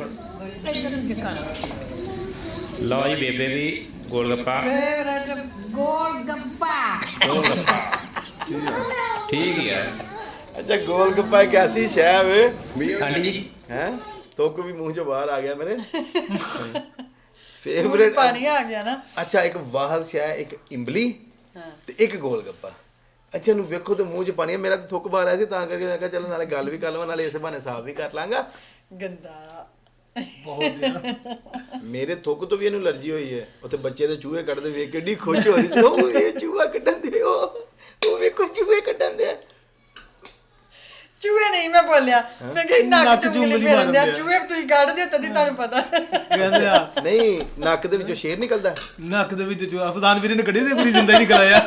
Speaker 4: ਲਓ ਜੀ ਬੇਬੇ ਵੀ ਗੋਲ ਗੱਪਾ
Speaker 6: ਫੇਵਰਟ ਗੋਲ ਗੱਪਾ
Speaker 4: ਗੋਲ ਗੱਪਾ ਠੀਕ ਹੀ ਆ
Speaker 1: ਅੱਛਾ ਗੋਲ ਗੱਪਾ ਇੱਕ ਐਸੀ ਸ਼ੈ ਵੇ
Speaker 4: ਆਂਟੀ ਜੀ
Speaker 1: ਹੈ ਤੋਕ ਵੀ ਮੂੰਹ ਚੋਂ ਬਾਹਰ ਆ ਗਿਆ ਮੇਰੇ
Speaker 2: ਮੂੰਹ 'ਚ
Speaker 1: ਫੇਵਰੇਟ
Speaker 2: ਪਾਣੀ ਆ ਗਿਆ ਨਾ।
Speaker 1: ਅੱਛਾ ਇੱਕ ਵਾਹਦ ਸ਼ੈ ਇੱਕ ਇੰਬਲੀ
Speaker 2: ਹਾਂ
Speaker 1: ਤੇ ਇੱਕ ਗੋਲ ਗੱਪਾ। ਅੱਛਾ ਨੂੰ ਵੇਖੋ ਤੇ ਮੂੰਹ 'ਚ ਪਾਣੀ ਆ। ਮੇਰਾ ਤਾਂ ਥੁੱਕ ਬਾਹਰ ਆਇਆ ਸੀ ਤਾਂ ਕਰਕੇ ਮੈਂ ਕਿਹਾ ਚਲੋ ਨਾਲੇ ਗੱਲ ਵੀ ਕਰ ਲਵਾਂ ਨਾਲੇ ਇਸੇ ਬਹਾਨੇ ਸਾਫ਼ ਵੀ ਕਰ ਲਾਂਗਾ।
Speaker 2: ਗੰਦਾ
Speaker 3: ਬਹੁਤ ਜ਼ਿਆਦਾ
Speaker 1: ਮੇਰੇ ਥੁੱਕ ਤੋਂ ਵੀ ਇਹਨੂੰ ਅਲਰਜੀ ਹੋਈ ਹੈ। ਉੱਥੇ ਬੱਚੇ ਦੇ ਚੂਹੇ ਕੱਢਦੇ ਵੇਖ ਕੇ ਏਡੀ ਖੁਸ਼ ਹੋ ਰਹੀ ਸੀ ਉਹ ਇਹ ਚੂਹਾ ਕੱਢਣ ਦੇ ਉਹ ਵੇਖੋ ਚੂਹੇ ਕੱਢਣ ਦੇ
Speaker 2: ਚੂਹੇ ਨਹੀਂ ਮੈਂ ਬੋਲਿਆ ਮੈਂ ਕਿ ਨੱਕ
Speaker 3: ਨੱਕ
Speaker 2: ਚੁੰਗਲੀ
Speaker 3: ਚੁੰਗਲੀ
Speaker 2: ਫੇਰਦੇ ਆ
Speaker 3: ਮਾਰਦੇ ਆ।
Speaker 2: ਚੂਹੇ ਤੁਸੀਂ ਕੱਢਦੇ ਹੋ ਤਦੀ ਤੁਹਾਨੂੰ ਪਤਾ
Speaker 3: ਕਹਿੰਦੇ ਆ
Speaker 1: ਨਹੀਂ ਨੱਕ ਦੇ ਵਿੱਚੋਂ ਸ਼ੇਰ ਨਿਕਲਦਾ
Speaker 3: ਨੱਕ ਦੇ ਵਿੱਚ ਜੋ ਅਫਦਾਨ ਵੀਰੇ ਨੇ ਕੱਢੀ ਤੇ ਪੂਰੀ ਜ਼ਿੰਦਾ ਹੀ ਨਿਕਲ ਆਇਆ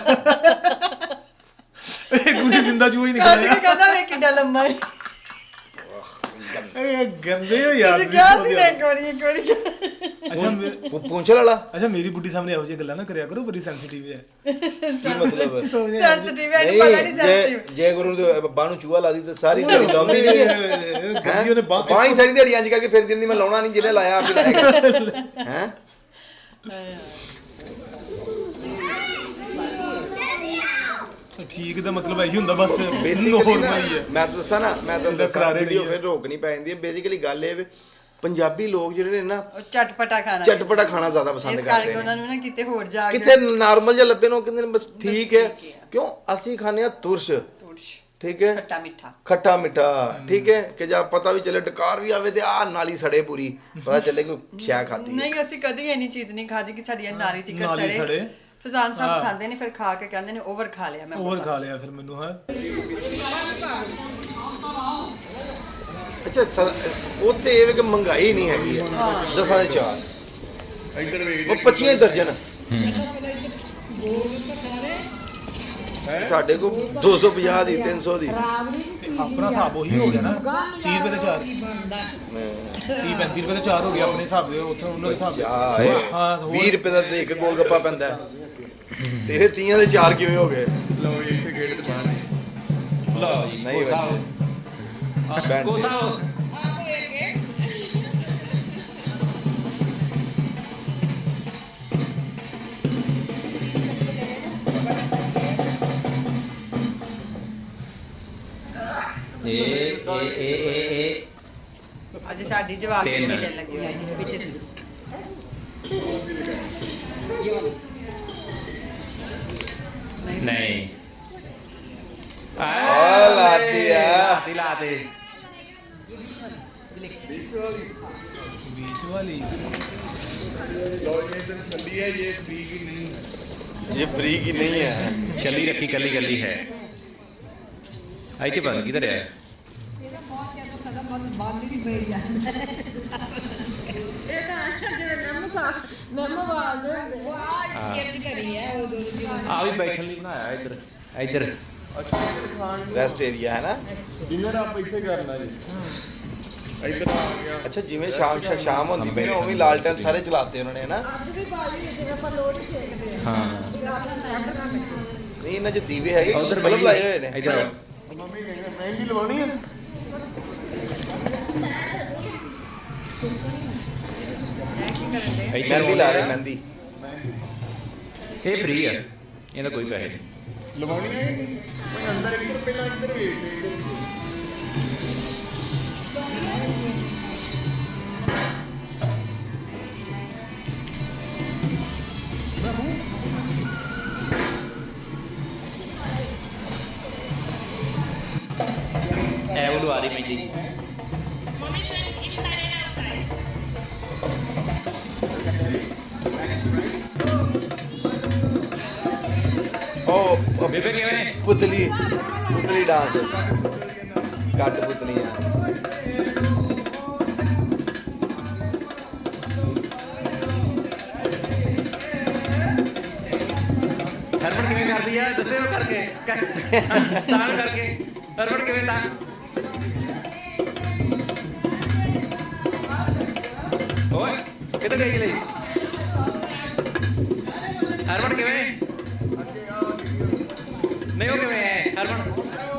Speaker 3: ਇਹ ਪੂਰੀ ਜ਼ਿੰਦਾ ਚੂਹਾ ਹੀ ਨਿਕਲ
Speaker 2: ਕੱਢ ਕੇ
Speaker 3: ਆਇਆ
Speaker 2: ਕਹਿੰਦਾ ਵੇ ਕਿੱਡਾ ਲੰਮਾ ਹੈ
Speaker 3: ਇਹ ਗੰਦੇ ਹੋ ਯਾਰ
Speaker 2: ਤੁਸੀਂ ਕਿਹਾ ਸੀ ਨਾ ਇੱਕ ਵਾਰੀ
Speaker 3: ਅੱਛਾ
Speaker 1: ਪੂੰਛਲ ਵਾਲਾ
Speaker 3: ਅੱਛਾ ਮੇਰੀ ਬੁੱਢੀ ਸਾਹਮਣੇ ਇਹੋ ਜਿਹੀ ਗੱਲਾਂ ਨਾ ਕਰਿਆ ਕਰੋ ਬੜੀ ਸੈਂਸਿਟਿਵ ਹੈ
Speaker 1: ਕੀ ਮਤਲਬ
Speaker 2: ਸੈਂਸਿਟਿਵ ਹੈ ਇਹਨੂੰ ਪਤਾ ਨਹੀਂ ਸੈਂਸਿਟਿਵ
Speaker 1: ਜੇ ਗੁਰੂ ਦੇ ਬਾਹ ਨੂੰ ਚੂਹਾ ਲਾ ਦੀ ਤੇ ਸਾਰੀ ਦਿਹਾੜੀ ਲਾਉਂਦੀ ਨਹੀਂ ਹੈ
Speaker 3: ਗੰਦੀ ਉਹਨੇ
Speaker 1: ਬਾਹ ਹੀ ਸਾਰੀ ਦਿਹਾੜੀ ਇੰਜ ਕਰਕੇ ਫਿਰ ਦਿੰਦੀ ਮੈਂ ਲਾਉਣਾ ਨਹੀਂ ਜਿਹਨੇ ਲਾਇਆ ਆਪੇ ਲਾਏਗਾ ਹੈ
Speaker 3: ਠੀਕ ਦਾ ਮਤਲਬ ਇਹੀ ਹੁੰਦਾ ਬਸ
Speaker 1: ਬੇਸਿਕਲੀ
Speaker 3: ਨੋਰਮਲ ਹੀ ਹੈ
Speaker 1: ਮੈਂ ਤਾਂ ਦੱਸਾਂ ਨਾ ਮੈਂ ਤਾਂ ਦੱਸਾਂ
Speaker 3: ਕਰਾਰੇ
Speaker 1: ਵੀਡੀਓ
Speaker 3: ਨਹੀਂ ਹੈ।
Speaker 1: ਫਿਰ ਰੋਕਣੀ ਪੈ ਜਾਂਦੀ ਹੈ ਬੇਸਿਕਲੀ ਗੱਲ ਇਹ ਵੇ ਪੰਜਾਬੀ ਲੋਕ ਜਿਹੜੇ ਨੇ ਨਾ
Speaker 2: ਉਹ ਚਟਪਟਾ ਖਾਣਾ
Speaker 1: ਚਟਪਟਾ ਖਾਣਾ ਜ਼ਿਆਦਾ ਪਸੰਦ
Speaker 2: ਇਸ ਕਰਕੇ
Speaker 1: ਕਰਦੇ
Speaker 2: ਉਹਨਾਂ
Speaker 1: ਨੇ
Speaker 2: ਨੂੰ ਨਾ ਕਿਤੇ ਹੋਰ ਜਾ ਕੇ
Speaker 1: ਕਿਤੇ ਨਾਰਮਲ ਜਿਹਾ ਲੱਭੇ ਨੂੰ ਕਹਿੰਦੇ ਨੇ ਬਸ ਠੀਕ ਹੈ ਕਿਉਂ ਅਸੀਂ ਖਾਂਦੇ ਆ ਤੁਰਸ਼
Speaker 2: ਤੁਰਸ਼
Speaker 1: ਠੀਕ ਹੈ
Speaker 2: ਖੱਟਾ ਮਿੱਠਾ
Speaker 1: ਖੱਟਾ ਮਿੱਠਾ ਠੀਕ ਹੈ ਕਿ ਜਾਂ ਪਤਾ ਵੀ ਚੱਲੇ ਡਕਾਰ ਵੀ ਆਵੇ ਤੇ ਆ ਨਾਲੀ ਸੜੇ ਪੂਰੀ ਪਤਾ ਚੱਲੇ ਕੋਈ ਸ਼ੈ ਖਾਦੀ
Speaker 2: ਨਹੀਂ ਅਸੀਂ ਕਦੀ ਇੰਨੀ ਚੀਜ਼ ਨਹੀਂ ਖਾਦੀ ਕਿ ਸਾਡੀ ਨਾਲੀ ਤਿੱਕਰ
Speaker 3: ਨਾਲੀ
Speaker 2: ਸੜੇ
Speaker 3: ਸੜੇ।
Speaker 2: ਫਜ਼ਾਨ
Speaker 3: ਹਾਂ।
Speaker 2: ਸਾਹਿਬ ਖਾਂਦੇ ਨੇ ਫਿਰ ਖਾ ਕੇ ਕਹਿੰਦੇ ਨੇ ਓਵਰ ਖਾ ਲਿਆ ਮੈਂ
Speaker 3: ਹੋਰ ਖਾ ਲਿਆ ਫਿਰ ਮੈਨੂੰ ਹੈ
Speaker 1: ਅੱਛਾ ਉੱਥੇ ਇਹ ਵੇ ਕਿ ਮਹਿੰਗਾਈ ਨਹੀਂ ਹੈਗੀ ਹੈ ਦਸਾਂ ਦੇ ਚਾਰ
Speaker 5: ਇੱਧਰ ਵੇਖ
Speaker 1: ਉਹ 25 ਦਰਜਨ ਸਾਡੇ ਕੋਲ 250 ਦੀ 300 ਦੀ
Speaker 3: ਆਪਣਾ ਹਿਸਾਬ ਉਹੀ ਹੋ ਗਿਆ ਨਾ 30 ਰੁਪਏ ਦੇ 4 30 35 ਰੁਪਏ ਦੇ 4 ਹੋ ਗਿਆ ਆਪਣੇ ਹਿਸਾਬ ਦੇ ਉੱਥੇ ਉਹਨਾਂ ਦੇ ਹਿਸਾਬ
Speaker 1: ਚਾਹ
Speaker 3: ਹਾਂ ਹੋਰ
Speaker 1: 20 ਰੁਪਏ ਦਾ ਤੇ ਇੱਕ ਗੋਲ ਗੱਪਾ ਪੈਂਦਾ ਹੈ। ਤੇਰੇ 30 ਦੇ 4 ਕਿਵੇਂ ਹੋ ਗਏ
Speaker 5: ਲਓ ਜੀ ਇੱਥੇ ਗੇਟ ਤੇ ਬਾਹਰ
Speaker 4: ਲਓ ਜੀ
Speaker 1: ਨਹੀਂ
Speaker 4: ਕੋਸਾ ਕੋਸਾ ਇਹ
Speaker 2: ਅੱਜ ਸਾਡੀ ਜਵਾਬ
Speaker 4: ਤਿੰਨ।
Speaker 2: ਨਹੀਂ ਚੱਲ ਲੱਗੀ ਹੋਈ ਸੀ ਵਿੱਚ
Speaker 4: ਨਹੀਂ
Speaker 1: ਆ ਲਾਤੀ ਆ
Speaker 4: ਲਾਤੀ ਲਾਤੀ
Speaker 3: बीच वाली
Speaker 5: ਲਓ ਜੀ ਇੱਧਰ ਛੱਲੀ ਹੈ ਇਹ ਫ੍ਰੀ ਕੀ ਨਹੀਂ ਹੈ
Speaker 1: ਇਹ ਬਰੀਕ ਹੀ ਨਹੀਂ ਹੈ
Speaker 4: ਚੱਲੀ ਰੱਖੀ ਕੱਲੀ ਕੱਲੀ ਹੈ ਇੱਥੇ ਪਤਾ ਨੀ ਕਿਧਰ ਹੈ ਆ ਵੀ ਬੈਠਣ ਲਈ ਬਣਾਇਆ ਇੱਧਰ ਇੱਧਰ
Speaker 5: ਅੱਛਾ ਇੱਧਰ ਖਾਣ ਨੂੰ
Speaker 1: ਰੈਸਟ ਏਰੀਆ ਹੈ ਨਾ
Speaker 5: ਡਿਨਰ ਆਪਾਂ ਇੱਥੇ ਕਰਨਾ ਜੀ ਇੱਧਰ ਆ ਗਿਆ
Speaker 1: ਅੱਛਾ ਜਿਵੇਂ ਸ਼ਾਮ ਹੁੰਦੀ ਪਈ ਨਾ ਉਵੇਂ ਲਾਲਟਨ ਸਾਰੇ ਚਲਾਤੇ ਉਹਨਾਂ ਨੇ ਨਾ
Speaker 4: ਹਾਂ
Speaker 1: ਨਹੀਂ ਇਹਨਾਂ 'ਚ ਦੀਵੇ ਹੈਗੇ
Speaker 4: ਉਧਰ
Speaker 1: ਬਲਬ ਲਾਏ ਹੋਏ ਨੇ
Speaker 4: ਇੱਧਰ ਆਓ।
Speaker 5: ਮੰਮੀ ਕਹਿੰਦੇ ਮਹਿੰਦੀ ਲਵਾਉਣੀ ਹੈ
Speaker 4: ਇੱਧਰ
Speaker 1: ਮਹਿੰਦੀ ਲਾ ਰਹੇ ਮਹਿੰਦੀ
Speaker 4: ਇਹ ਫ੍ਰੀ ਆ ਇਹਦਾ ਕੋਈ ਪੈਸੇ ਨਹੀਂ
Speaker 5: ਲਵਾਉਣੀ ਹੈ ਕਿ ਨਹੀਂ? ਮੈਂ ਅੰਦਰ ਇੱਧਰ ਪਹਿਲਾਂ ਇੱਧਰ ਵੇਖ ਲੈ ਇੱਧਰ
Speaker 4: ਲਵਾ ਰਹੀ ਮਹਿੰਦੀ।
Speaker 1: ਉਹ
Speaker 4: ਬੇਬੇ ਕਿਵੇਂ?
Speaker 1: ਪੁਤਲੀ ਡਾਂਸ ਕੱਟ ਪੁਤਲੀਆਂ।
Speaker 4: ਹਰਮਨ ਕਿਵੇਂ ਕਰਦੀ ਆ ਦੱਸਿਓ ਕਰਕੇ ਤਾਂ ਕਰਕੇ ਹਰਮਨ ਕਿਵੇਂ ਤਾਂ ਓਏ ਕਿੱਥੇ ਗਈ ਲਈ ਹਰਮਨ ਕਿਵੇਂ ਨਹੀਂ ਉਹ ਕਿਵੇਂ ਹੈ ਹਰਮਨ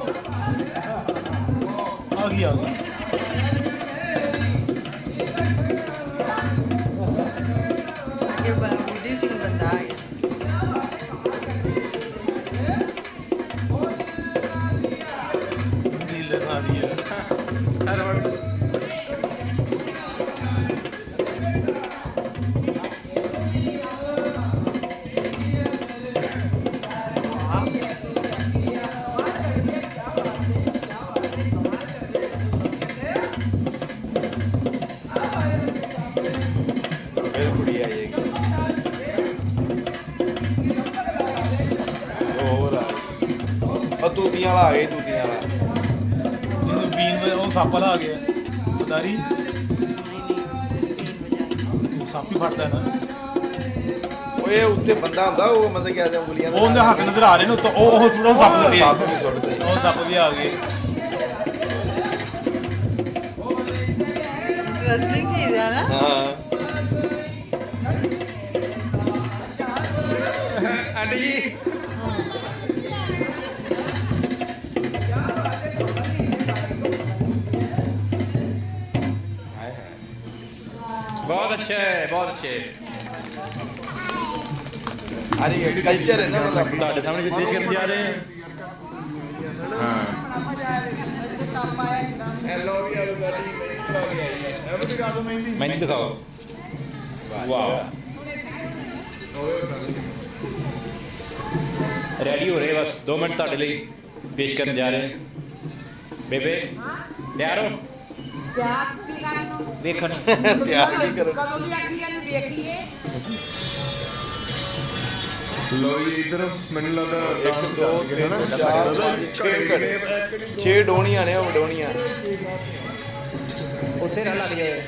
Speaker 3: ਆ ਗਈ ਆ ਗਈ
Speaker 2: ਅੱਗੇ ਬੁੱਢੀ ਸਿੰਘ ਬੰਦਾ ਆ ਗਿਆ
Speaker 3: ਨੀਲੇ ਨਾਲ ਦੀ ਹੈ
Speaker 4: ਹਰਮਨ
Speaker 1: ਫਿਰ ਕੁੜੀ ਆਈ ਹੈਗੀ ਹੋਰ ਆ ਉਹ ਤੂਤੀਆਂ ਵਾਲਾ ਆ ਗਈ ਤੂਤੀਆਂ ਵਾਲਾ
Speaker 3: ਇਹਨੂੰ ਬੀਨ ਵਜੇ ਉਹ ਸੱਪ ਵਾਲਾ ਆ ਗਿਆ ਉਦਾਰੀ ਉਹ ਸੱਪ ਹੀ ਫੜਦਾ ਨਾ
Speaker 1: ਓਏ ਉੱਤੇ ਬੰਦਾ ਹੁੰਦਾ ਉਹ ਮਤਲਬ ਕਿ ਆ ਉਂਗਲੀਆਂ
Speaker 3: ਉਹ ਉਹਦੇ ਹੱਥ ਨਜ਼ਰ ਆ ਰਹੇ ਨੇ ਉੱਤੋਂ ਉਹ ਥੋੜਾ ਸੱਪ ਦੇ
Speaker 1: ਸੱਪ ਵੀ ਸੁੱਟਦੇ
Speaker 3: ਉਹ ਸੱਪ ਵੀ ਆ ਗਏ
Speaker 2: ਇੰਟਰਸਟਿੰਗ ਚੀਜ਼ ਹੈ ਨਾ
Speaker 1: ਹਾਂ
Speaker 4: ਆਂਟੀ ਜੀ बहुत अच्छे है बहुत अच्छे
Speaker 1: ਅਰੇ ਇਹ ਕਲਚਰ ਹੈ ਨਾ ਮਤਲਬ
Speaker 4: ਤੁਹਾਡੇ ਸਾਹਮਣੇ ਜੋ ਪੇਸ਼ ਕਰਨ ਜਾ ਰਹੇ ਹਾਂ ਹਾਂ
Speaker 5: ਹੈਲੋ ਵੀ ਆ ਸਾਡੀ ਮਹਿੰਦੀ ਲਾ ਕੇ ਆਈ ਹੈ ਇਹ ਵੀ ਦਿਖਾ ਦਿਓ ਮਹਿੰਦੀ
Speaker 4: ਮੈਨੂੰ ਦਿਖਾਓ ਵਾਓ रेडी हो रहे बस 2 मिनट ਤੁਹਾਡੇ ਲਈ ਪੇਸ਼ ਕਰਨ ਜਾ ਰਹੇ ਬੇਬੇ ਤਿਆਰ ਹੋ ਵੇਖਣ
Speaker 1: ਤਿਆਰ ਨਹੀਂ ਕਰੋ
Speaker 5: ਲੋ ਜੀ ਇਧਰ ਮੈਨੂੰ ਲੱਗਦਾ
Speaker 1: 1 2 3 4 5 6 ਘੜੇ 6 ਡੋਣੀਆਂ ਨੇ ਉਹ ਡੋਣੀਆਂ
Speaker 4: ਉੱਥੇ ਨਾ ਲੱਗ ਜਾਏ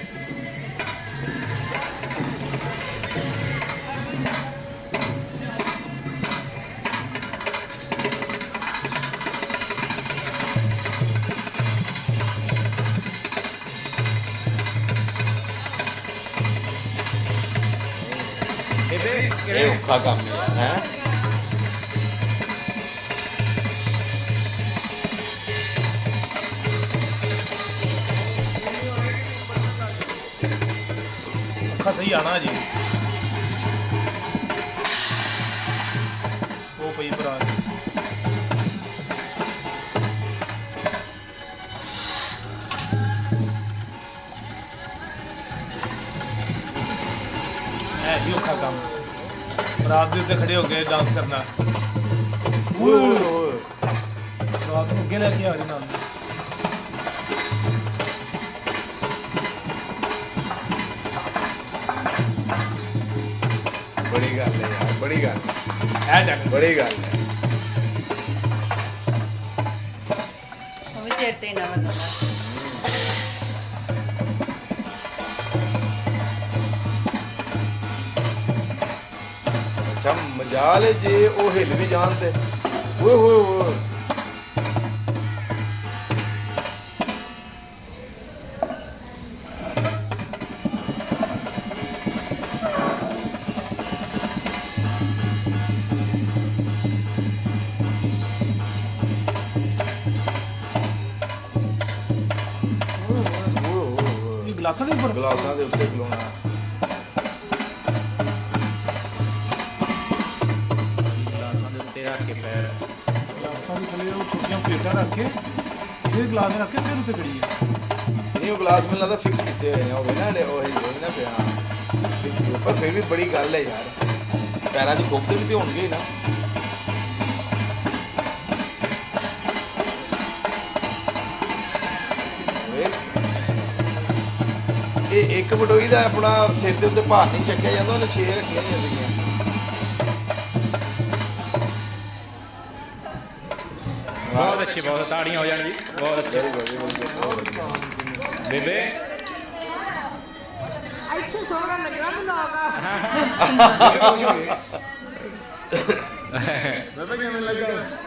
Speaker 1: ਇਹ ਔਖਾ ਕੰਮ ਹੈ
Speaker 3: ਅੱਖਾਂ ਸਹੀ ਆਣਾ ਜੀ ਉਹ ਪਈ ਭਰਾ ਹੈ ਜੀ ਔਖਾ ਕੰਮ ਰਾਤ ਦੇ ਉੱਤੇ ਖੜੇ ਹੋ ਕੇ ਡਾਂਸ ਕਰਨਾ
Speaker 1: ਓਏ
Speaker 3: ਰਾਤ ਨੂੰ ਅੱਗੇ ਲੈ ਕੇ ਆ ਰਹੇ ਨਾਲ
Speaker 1: ਬੜੀ ਗੱਲ ਹੈ ਯਾਰ ਬੜੀ ਗੱਲ
Speaker 3: ਐ ਚੱਕ
Speaker 1: ਬੜੀ ਗੱਲ ਹੈ
Speaker 2: ਉਹ ਵੀ ਸਿਰ ਤੇ ਨਾ ਮਸਲਾ
Speaker 1: ਅੱਛਾ ਮਜਾਲ ਹੈ ਜੇ ਉਹ ਹਿੱਲ ਵੀ ਜਾਣ ਤੇ ਓਏ ਹੋਏ ਹੋਏ
Speaker 3: ਇਹ ਗਲਾਸਾਂ ਦੇ ਉੱਪਰ
Speaker 1: ਗਲਾਸਾਂ ਦੇ ਉੱਤੇ ਖਲੋਣਾ
Speaker 4: ਗਲਾਸਾਂ ਦੇ ਉੱਤੇ ਰੱਖ ਕੇ ਪੈਰ
Speaker 3: ਗਲਾਸਾਂ ਦੇ ਥੱਲੇ ਉਹ ਛੋਟੀਆਂ ਪਲੇਟਾਂ ਰੱਖ ਕੇ ਫਿਰ ਗਲਾਸ ਰੱਖ ਕੇ ਫਿਰ ਉੱਤੇ ਖੜੀ ਹੈ
Speaker 1: ਨਹੀਂ ਉਹ ਗਲਾਸ ਮੈਨੂੰ ਲੱਗਦਾ ਫਿਕਸ ਕੀਤੇ ਹੋਏ ਨੇ ਉਹ ਵੀ ਨਾ ਉਹ ਹੀ ਨਾ ਪਿਆ ਫਿਕਸ ਪਰ ਫਿਰ ਵੀ ਬੜੀ ਗੱਲ ਹੈ ਯਾਰ ਪੈਰਾਂ 'ਚ ਕੋਫਤੇ ਵੀ ਤੇ ਹੋਣਗੇ ਹੀ ਨਾ ਇੱਕ ਬਟੋਈ ਦਾ ਆਪਣਾ ਸਿਰ ਦੇ ਉੱਤੇ ਭਾਰ ਨਹੀਂ ਚੱਕਿਆ ਜਾਂਦਾ, ਉਹਨੇ 6 ਰੱਖੀਆਂ ਜਾਂਦੀਆਂ।
Speaker 4: ਬਹੁਤ ਅੱਛੇ, ਬਹੁਤ ਤਾੜੀਆਂ ਹੋ ਜਾਣ ਜੀ, ਬਹੁਤ ਅੱਛੇ ਬੇਬੇ।
Speaker 6: ਇੱਥੇ ਸੋਹਣਾ ਲੱਗਾ ਬਲੌਗ
Speaker 5: ਬਾਬਾ ਕਿਵੇਂ ਲੱਗਾ?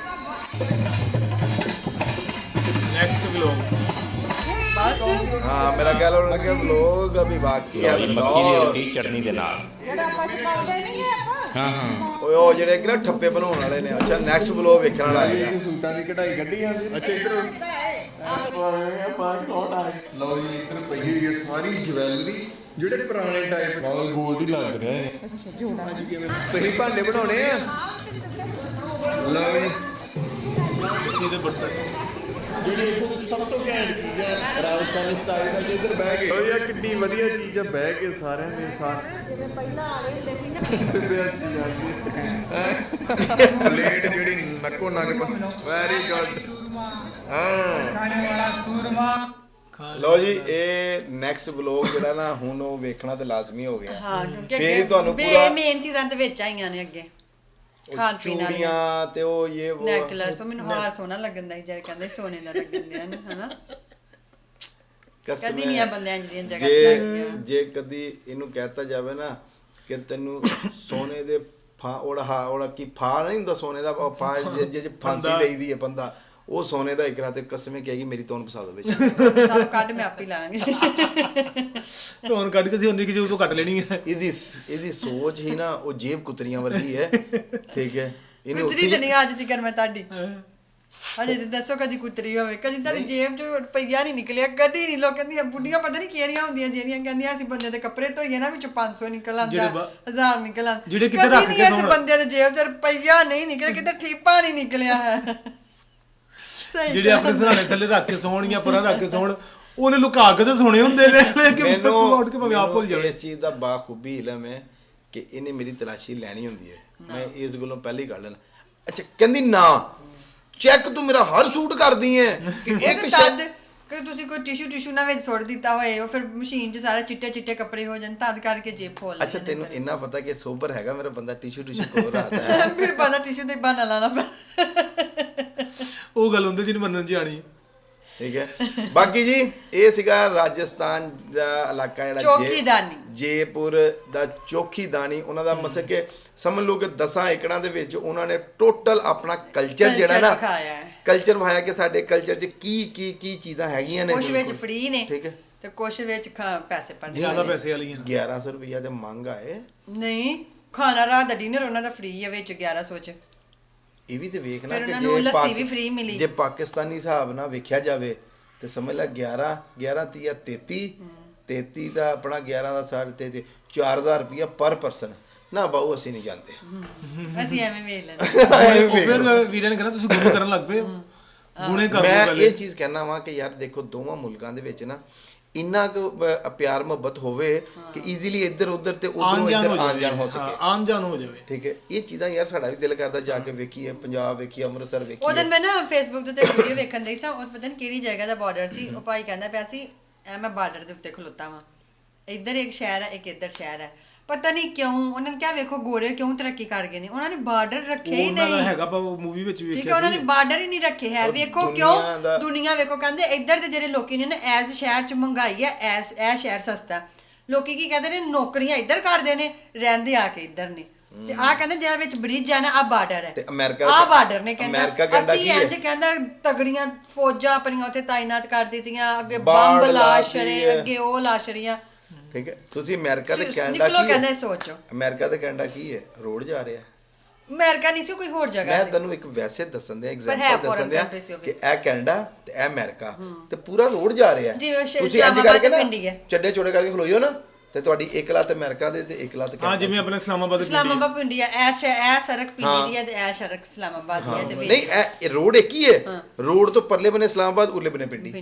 Speaker 3: ਨੈਕਸਟ ਵਲੌਗ
Speaker 2: ਬਸ
Speaker 1: हाँ मेरा ख्याल होने लगा लोग अभी बाकी है
Speaker 4: ਲਓ ਜੀ, ਮੱਕੀ ਦੀ ਰੋਟੀ ਚਟਨੀ ਦੇ ਨਾਲ।
Speaker 6: ਜਿਹੜਾ ਆਪਾਂ ਸਿਖਾਉਂਦੇ ਨਹੀਂ ਆਪਾਂ
Speaker 4: ਹਾਂ ਹਾਂ
Speaker 1: ਓਏ ਉਹ ਜਿਹੜੇ ਕਿ ਨਾ ਠੱਪੇ ਬਣਾਉਣ ਵਾਲੇ ਨੇ। ਅੱਛਾ ਨੈਕਸਟ ਬਲੌਗ ਵੇਖਣ ਵਾਲਾ ਹੈਗਾ।
Speaker 5: ਇਹ ਸੂਟਾਂ ਦੀ ਕਢਾਈ ਕੱਢੀ ਜਾਂਦੀ। ਅੱਛਾ ਇੱਧਰ ਆਪਾਂ ਕੌਣ ਆ? ਲਓ ਜੀ ਇੱਧਰ ਪਈ ਹੋਈ ਹੈ ਸਾਰੀ ਜਵੈਲਰੀ, ਜਿਹੜੇ ਪੁਰਾਣੇ ਟਾਈਪ ਨਾਲ ਗੋਲਡ ਹੀ ਲੱਗ ਰਿਹਾ ਹੈ। ਤੁਸੀਂ ਭਾਂਡੇ ਬਣਾਉਣੇ ਆ? ਲਓ ਜੀ
Speaker 3: ਇੱਥੇ ਦੇ ਬਰਤਨ
Speaker 5: ਜਿਹੜੀ ਇੱਥੋਂ ਦੀ ਸਭ ਤੋਂ ਘੈਂਟ ਚੀਜ਼ ਹੈ ਰਾਜਸਥਾਨੀ ਸਟਾਈਲ ਦਾ, ਇੱਧਰ ਬਹਿ ਕੇ। ਓ ਯਾਰ ਕਿੰਨੀ ਵਧੀਆ ਚੀਜ਼ ਹੈ, ਬਹਿ ਕੇ ਸਾਰਿਆਂ ਦੇ ਸਾਥ
Speaker 6: ਜਿਵੇਂ ਪਹਿਲਾਂ ਆਲੇ ਹੁੰਦੇ ਸੀ ਨਾ
Speaker 5: ਪਲੇਟ ਜਿਹੜੀ ਨੱਕੋ ਨੱਕ ਵੈਰੀ ਗੁੱਡ। ਹਾਂ
Speaker 1: ਲਓ ਜੀ ਇਹ ਨੈਕਸਟ ਬਲੌਗ ਜਿਹੜਾ ਨਾ ਹੁਣ ਉਹ ਵੇਖਣਾ ਤੇ ਲਾਜ਼ਮੀ ਹੋ ਗਿਆ।
Speaker 2: ਹਾਂ ਕਿਉਂਕਿ
Speaker 1: ਫੇਰ ਹੀ ਤੁਹਾਨੂੰ ਪੂਰਾ
Speaker 2: ਮੇਨ ਚੀਜ਼ਾਂ ਤੇ ਵਿੱਚ ਆਈਆਂ ਨੇ ਅੱਗੇ ਖਾਣ ਪੀਣ ਵਾਲੀਆਂ
Speaker 1: ਚੂੜੀਆਂ ਤੇ ਉਹ ਇਹ ਉਹ
Speaker 2: ਨੈਕਲੈਸ। ਉਹ ਮੈਨੂੰ ਹਾਰ ਸੋਹਣਾ ਲੱਗਣ ਦਾ ਸੀ ਜਿਹੜੇ ਕਹਿੰਦੇ ਸੋਨੇ ਦਾ ਲੱਗਣ ਦਿਆ ਨੇ ਹਨਾ।
Speaker 1: ਕਸਮ
Speaker 2: ਕਦੀ
Speaker 1: ਹੈ,
Speaker 2: ਨਹੀਂ ਆ ਬੰਦਿਆਂ ਜਿਹੜੀਆਂ ਜਗ੍ਹਾ ਤੇ ਲੱਗ ਗਿਆ।
Speaker 1: ਜੇ ਕਦੀ ਇਹਨੂੰ ਕਹਿਤਾ ਜਾਵੇ ਨਾ ਕਿ ਤੈਨੂੰ ਸੋਨੇ ਦੇ ਉਹਦਾ ਕੀ ਫਾ ਨਹੀਂ ਹੁੰਦਾ ਸੋਨੇ ਦਾ ਫਾ ਜੇ ਫਾਂਸੀ ਲਈਦੀ ਹੈ ਬੰਦਾ, ਉਹ ਸੋਨੇ ਦਾ ਇਕਰਾ ਤੇ ਕਸਮੇ ਕਹੇਗੀ ਮੇਰੀ ਤੋਨ ਫਸਾ ਦੋ ਵਿੱਚ।
Speaker 2: ਸਭ ਕੱਢ ਮੈਂ ਆਪ ਹੀ ਲਾਂਗੇ।
Speaker 3: ਧੋਣ ਕੱਢ ਕੇ ਸੀ ਉਨੀ ਕਿ ਜੋ ਤੋਂ ਕੱਟ ਲੈਣੀ ਹੈ।
Speaker 1: ਇਹਦੀ ਸੋਚ ਹੀ ਨਾ ਉਹ ਜੇਬ ਕੁਤਰੀਆਂ ਵਰਗੀ ਹੈ। ਠੀਕ ਹੈ ਇਹਨੇ
Speaker 2: ਕੁਤਰੀ ਤੇ ਨਹੀਂ ਅੱਜ ਤੱਕ ਮੈਂ ਤੁਹਾਡੀ ਅਜੇ ਤੇ ਦੱਸੋ ਕਦੀ ਕੁਤਰੀ ਹੋਵੇ, ਕਦੀ ਤੁਹਾਡੀ ਜੇਬ ਚੋਂ ਰੁਪਈਆ ਨਹੀਂ ਨਿਕਲਿਆ ਕਦੀ ਨਹੀਂ। ਲੋਕ ਕਹਿੰਦੀਆਂ ਬੁੱਢੀਆਂ ਪਤਾ ਨਹੀਂ ਕਿਹੜੀਆਂ ਹੁੰਦੀਆਂ ਜਿਹੜੀਆਂ ਕਹਿੰਦੀਆਂ ਅਸੀਂ ਬੰਦੇ ਦੇ ਕੱਪੜੇ ਧੋਈਏ ਨਾ ਵਿੱਚੋਂ 500 ਨਿਕਲ ਆਉਂਦਾ, 1000 ਨਿਕਲ ਆਉਂਦਾ।
Speaker 3: ਜਿਹੜੇ ਕਿਤੇ ਰੱਖ ਕੇ
Speaker 2: ਇਸ ਬੰਦੇ ਦੇ ਜੇਬ ਚ ਰੁਪਈਆ ਨਹੀਂ ਨਿਕਲਿਆ, ਕਿਤੇ ਠੀਪਾ ਨਹੀਂ ਨਿਕਲਿਆ ਹੈ। ਸਹੀ
Speaker 3: ਜਿਹੜੇ ਆਪਣੇ ਸਰਾਣੇ ਥੱਲੇ ਰੱਖ ਕੇ ਸੌਣ ਜਾਂ ਪਰਾਂ ਰੱਖ ਕੇ ਸੌਣ, ਉਹਨੇ ਲੁਕਾ ਕੇ ਤਾਂ ਸੋਣੇ ਹੁੰਦੇ ਨੇ ਲੇਕਿਨ ਪਰਸੋਂ ਉੱਠ ਕੇ ਭਾਵੇਂ ਆਪ ਭੁੱਲ ਜਾਵੇ।
Speaker 1: ਇਸ ਚੀਜ਼ ਦਾ ਬਾਖੂਬੀ ਇਲਮ ਹੈ ਕਿ ਇਹਨੇ ਮੇਰੀ ਤਲਾਸ਼ੀ ਲੈਣੀ ਹੁੰਦੀ ਹੈ। ਮੈਂ ਇਸ ਗੱਲੋਂ ਪਹਿਲੇ ਹੀ ਕੱਢ ਲੈਣਾ। ਅੱਛਾ ਕਹਿੰਦੀ ਨਾ ਚੈੱਕ ਤੂੰ ਮੇਰਾ ਹਰ ਸੂਟ ਕਰਦੀ ਹੈ ਕਿ ਇੱਕ
Speaker 2: ਤਦ ਕਿ ਤੁਸੀਂ ਕੋਈ ਟਿਸ਼ੂ ਨਾ ਵਿੱਚ ਸੁੱਟ ਦਿੱਤਾ ਹੋਏ, ਉਹ ਫਿਰ ਮਸ਼ੀਨ 'ਚ ਸਾਰੇ ਚਿੱਟੇ ਕੱਪੜੇ ਹੋ ਜਾਣ ਤਦ ਕਰਕੇ ਜੇਬ ਖੋਲ
Speaker 1: ਅੱਛਾ ਤੈਨੂੰ ਇੰਨਾ ਪਤਾ ਕਿ ਸੋਬਰ ਹੈਗਾ ਮੇਰਾ ਬੰਦਾ ਟਿਸ਼ੂ ਕੋਲ ਰੱਖਦਾ ਹੈ।
Speaker 2: ਫਿਰ ਪਤਾ ਟਿਸ਼ੂ ਦੇ ਬਹਾਨਾ ਲਾਣਾ ਪੈ।
Speaker 3: ਉਹ ਗੱਲ ਹੁੰਦੀ ਜਿਹਨੂੰ ਮੰਨਣ ਚ ਆਣੀ।
Speaker 1: ਠੀਕ ਹੈ ਬਾਕੀ ਜੀ ਇਹ ਸੀਗਾ ਰਾਜਸਥਾਨ ਦਾ ਇਲਾਕਾ ਜਿਹੜਾ
Speaker 2: ਚੌਕੀਦਾਨੀ
Speaker 1: ਜੈਪੁਰ ਦਾ ਚੌਕੀਦਾਨੀ। ਉਹਨਾਂ ਦਾ ਮਸਲ ਕਿ ਸਮਝ ਲਓ ਕਿ 10 ਏਕੜਾਂ ਦੇ ਵਿੱਚ ਉਹਨਾਂ ਨੇ ਟੋਟਲ ਆਪਣਾ ਕਲਚਰ ਜਿਹੜਾ ਨਾ ਕਲਚਰ ਵਿਖਾਇਆ ਕਿ ਸਾਡੇ ਕਲਚਰ 'ਚ ਕੀ ਚੀਜ਼ਾਂ ਹੈਗੀਆਂ ਨੇ।
Speaker 2: ਕੁਛ ਵਿੱਚ ਫ੍ਰੀ ਨੇ
Speaker 1: ਠੀਕ ਹੈ
Speaker 2: ਤੇ ਕੁਛ ਵਿੱਚ ਪੈਸੇ ਪੜਨੇ
Speaker 3: ਜ਼ਿਆਦਾ ਪੈਸੇ ਵਾਲੀਆਂ
Speaker 1: 1100 ਰੁਪਈਆ ਤੇ ਮੰਗ ਆਏ
Speaker 2: ਨਹੀਂ। ਖਾਣਾ ਰਾਤ ਦਾ ਡਿਨਰ ਉਹਨਾਂ ਦਾ ਫ੍ਰੀ ਹੈ ਵਿੱਚ 1100 ਚ।
Speaker 1: ਇਹ ਵੀ ਤੇ ਵੇਖਣਾ
Speaker 2: ਫਿਰ ਉਹਨਾਂ ਨੂੰ ਲੱਸੀ ਵੀ free ਮਿਲੀ।
Speaker 1: ਜੇ ਪਾਕਿਸਤਾਨੀ ਹਿਸਾਬ ਨਾਲ ਵੇਖਿਆ ਜਾਵੇ ਤੇ ਸਮਝ ਲੈ 11 30 33 ਦਾ ਆਪਣਾ 11 ਦਾ 33 4000 ਰੁਪਇਆ ਪਰ ਪਰਸਨ ਨਾ ਬਾਊ ਅਸੀਂ ਨਹੀਂ ਜਾਂਦੇ।
Speaker 2: ਅਸੀਂ ਐਵੇਂ ਵੇਖ ਲੈਂਦੇ।
Speaker 3: ਉਹ ਫਿਰ ਵੀਰਾਂ ਨੇ ਕਹਿਣਾ ਤੁਸੀਂ ਗੁਰੂ ਕਰਨ ਲੱਗ ਪਏ ਗੁਣੇ ਕਰ
Speaker 1: ਮੈਂ
Speaker 3: ਲਓ
Speaker 1: ਇਹ ਚੀਜ਼ ਕਹਿਣਾ ਵਾਂ ਕਿ ਯਾਰ ਦੇਖੋ ਦੋਵਾਂ ਮੁਲਕਾਂ ਦੇ ਵਿੱਚ ਨਾ ਇੰਨਾ ਕੁ ਪਿਆਰ ਮੁਹੱਬਤ ਹੋਵੇ ਕਿ ਈਜ਼ੀਲੀ ਇੱਧਰ ਉੱਧਰ ਤੇ ਉਧਰੋਂ ਇੱਧਰ ਆਣ ਜਾਣ ਹੋ ਸਕੇ।
Speaker 3: ਆਣ ਜਾਣ ਹੋ ਜਾਵੇ।
Speaker 1: ਠੀਕ ਹੈ ਇਹ ਚੀਜ਼ਾਂ ਯਾਰ ਸਾਡਾ ਵੀ ਦਿਲ ਕਰਦਾ ਜਾ ਕੇ ਵੇਖੀਏ, ਪੰਜਾਬ ਵੇਖੀਏ, ਅੰਮ੍ਰਿਤਸਰ
Speaker 2: ਉਹ
Speaker 1: ਵੇਖੀਏ।
Speaker 2: ਦਿਨ ਮੈਂ ਨਾ ਫੇਸਬੁੱਕ ਤੇ ਵੀਡੀਓ ਵੇਖਣ ਡਈ ਸਾਂ, ਉਹ ਪਤਾ ਨਹੀਂ ਕਿਹੜੀ ਜਗ੍ਹਾ ਦਾ ਬਾਰਡਰ ਸੀ। ਉਹ ਭਾਈ ਕਹਿੰਦਾ ਪਿਆ ਸੀ ਐ ਮੈਂ ਬਾਰਡਰ ਦੇ ਉੱਤੇ ਖਲੋਤਾ ਵਾਂ, ਇੱਧਰ ਇੱਕ ਸ਼ਹਿਰ ਹੈ ਇੱਕ ਇੱਧਰ ਸ਼ਹਿਰ ਹੈ। ਪਤਾ ਨਹੀਂ ਕਿਉਂ ਉਹਨਾਂ ਨੇ ਕਿਹਾ ਵੇਖੋ ਗੋਰੇ ਕਿਉਂ ਤਰੱਕੀ ਕਰ ਗਏ ਨੇ, ਉਹਨਾਂ ਨੇ ਬਾਰਡਰ ਰੱਖੇ ਹੀ
Speaker 3: ਉਹਨਾਂ ਦਾ
Speaker 2: ਨਹੀਂ।
Speaker 3: ਹੈਗਾ ਪਰ ਮੂਵੀ ਵਿੱਚ ਵੀ
Speaker 2: ਠੀਕ ਹੈ ਉਹਨਾਂ ਨੇ ਬਾਰਡਰ ਹੀ ਨਹੀਂ ਰੱਖੇ ਹੈ। ਵੇਖੋ ਕਿਉਂ ਦੁਨੀਆ ਵੇਖੋ ਕਹਿੰਦੇ ਇੱਧਰ ਦੇ ਜਿਹੜੇ ਲੋਕੀ ਨੇ ਨਾ ਐਸ ਸ਼ਹਿਰ ਚ ਮਹਿੰਗਾਈ ਹੈ, ਇਹ ਸ਼ਹਿਰ ਸਸਤਾ। ਲੋਕੀ ਕੀ ਕਹਿੰਦੇ ਨੇ ਨੌਕਰੀਆਂ ਇੱਧਰ ਕਰਦੇ ਨੇ, ਰਹਿੰਦੇ ਆ ਕੇ ਇੱਧਰ ਨੇ। ਤੇ ਆ ਕਹਿੰਦੇ ਜਿਹੜਾ ਵਿੱਚ ਬ੍ਰਿਜ ਹੈ ਨਾ ਆ ਬਾਰਡਰ ਹੈ
Speaker 1: ਤੇ ਅਮਰੀਕਾ
Speaker 2: ਆ ਬਾਰਡਰ ਨੇ ਕਹਿੰਦਾ ਅਸੀਂ
Speaker 1: ਕੀ
Speaker 2: ਇੰਜ ਕਹਿੰਦਾ ਤਗੜੀਆਂ ਫੌਜਾਂ ਆਪਣੀਆਂ ਉੱਥੇ ਤਾਇਨਾਤ ਕਰ ਦਿੱਤੀਆਂ, ਅੱਗੇ ਬੰਬ ਲਾ ਛੜੇ, ਅੱਗੇ ਉਹ ਲਾ ਛੜੀਆਂ।
Speaker 1: ਠੀਕ ਹੈ ਤੁਸੀਂ ਅਮਰੀਕਾ ਤੇ ਕੈਨੇਡਾ
Speaker 2: ਨਿਕਲੋ
Speaker 1: ਕੀ
Speaker 2: ਕਹਿੰਦੇ ਸੋਚੋ
Speaker 1: ਅਮਰੀਕਾ ਤੇ ਕੈਨੇਡਾ ਕੀ ਹੈ ਰੋਡ ਜਾ ਰਿਹਾ।
Speaker 2: ਅਮਰੀਕਾ ਨਹੀਂ ਸੀ ਕੋਈ ਹੋਰ ਜਗ੍ਹਾ
Speaker 1: ਮੈਂ
Speaker 2: ਸੀ।
Speaker 1: ਤੈਨੂੰ ਇੱਕ ਵੈਸੇ ਦੱਸਣ ਦਿਆਂ ਐਗਜ਼ਾਮਪਲ ਦੱਸਣ ਦਿਆਂ ਕਿ ਇਹ ਕੈਨੇਡਾ ਤੇ ਇਹ ਅਮਰੀਕਾ ਤੇ ਪੂਰਾ ਰੋਡ ਜਾ ਰਿਹਾ। ਤੁਸੀਂ ਇੰਜ ਕਰਕੇ ਨਾ ਚੱਡੇ ਚੋੜੇ ਕਰਕੇ ਖਲੋਇਓ ਨਾ ਤੇ ਤੁਹਾਡੀ ਇੱਕ ਲੱਤ ਅਮਰੀਕਾ ਦੇ ਤੇ ਇੱਕ ਲੱਤ
Speaker 3: ਹਾਂ ਜਿਵੇਂ ਆਪਣੇ
Speaker 2: ਇਸਲਾਮਾਬਾਦ ਪਿੰਡੀ ਹੈ, ਇਹ ਸੜਕ ਪਿੰਡੀ ਦੀ ਹੈ ਤੇ ਇਹ ਸੜਕ ਇਸਲਾਮਾਬਾਦ ਦੀ ਹੈ। ਤੇ
Speaker 1: ਨਹੀਂ ਇਹ ਰੋਡ ਇੱਕ ਹੀ ਹੈ। ਰੋਡ ਤੋਂ ਪਰਲੇ ਬਨੇ ਇਸਲਾਮਾਬਾਦ ਉਰਲੇ ਬਨੇ ਪਿੰਡੀ।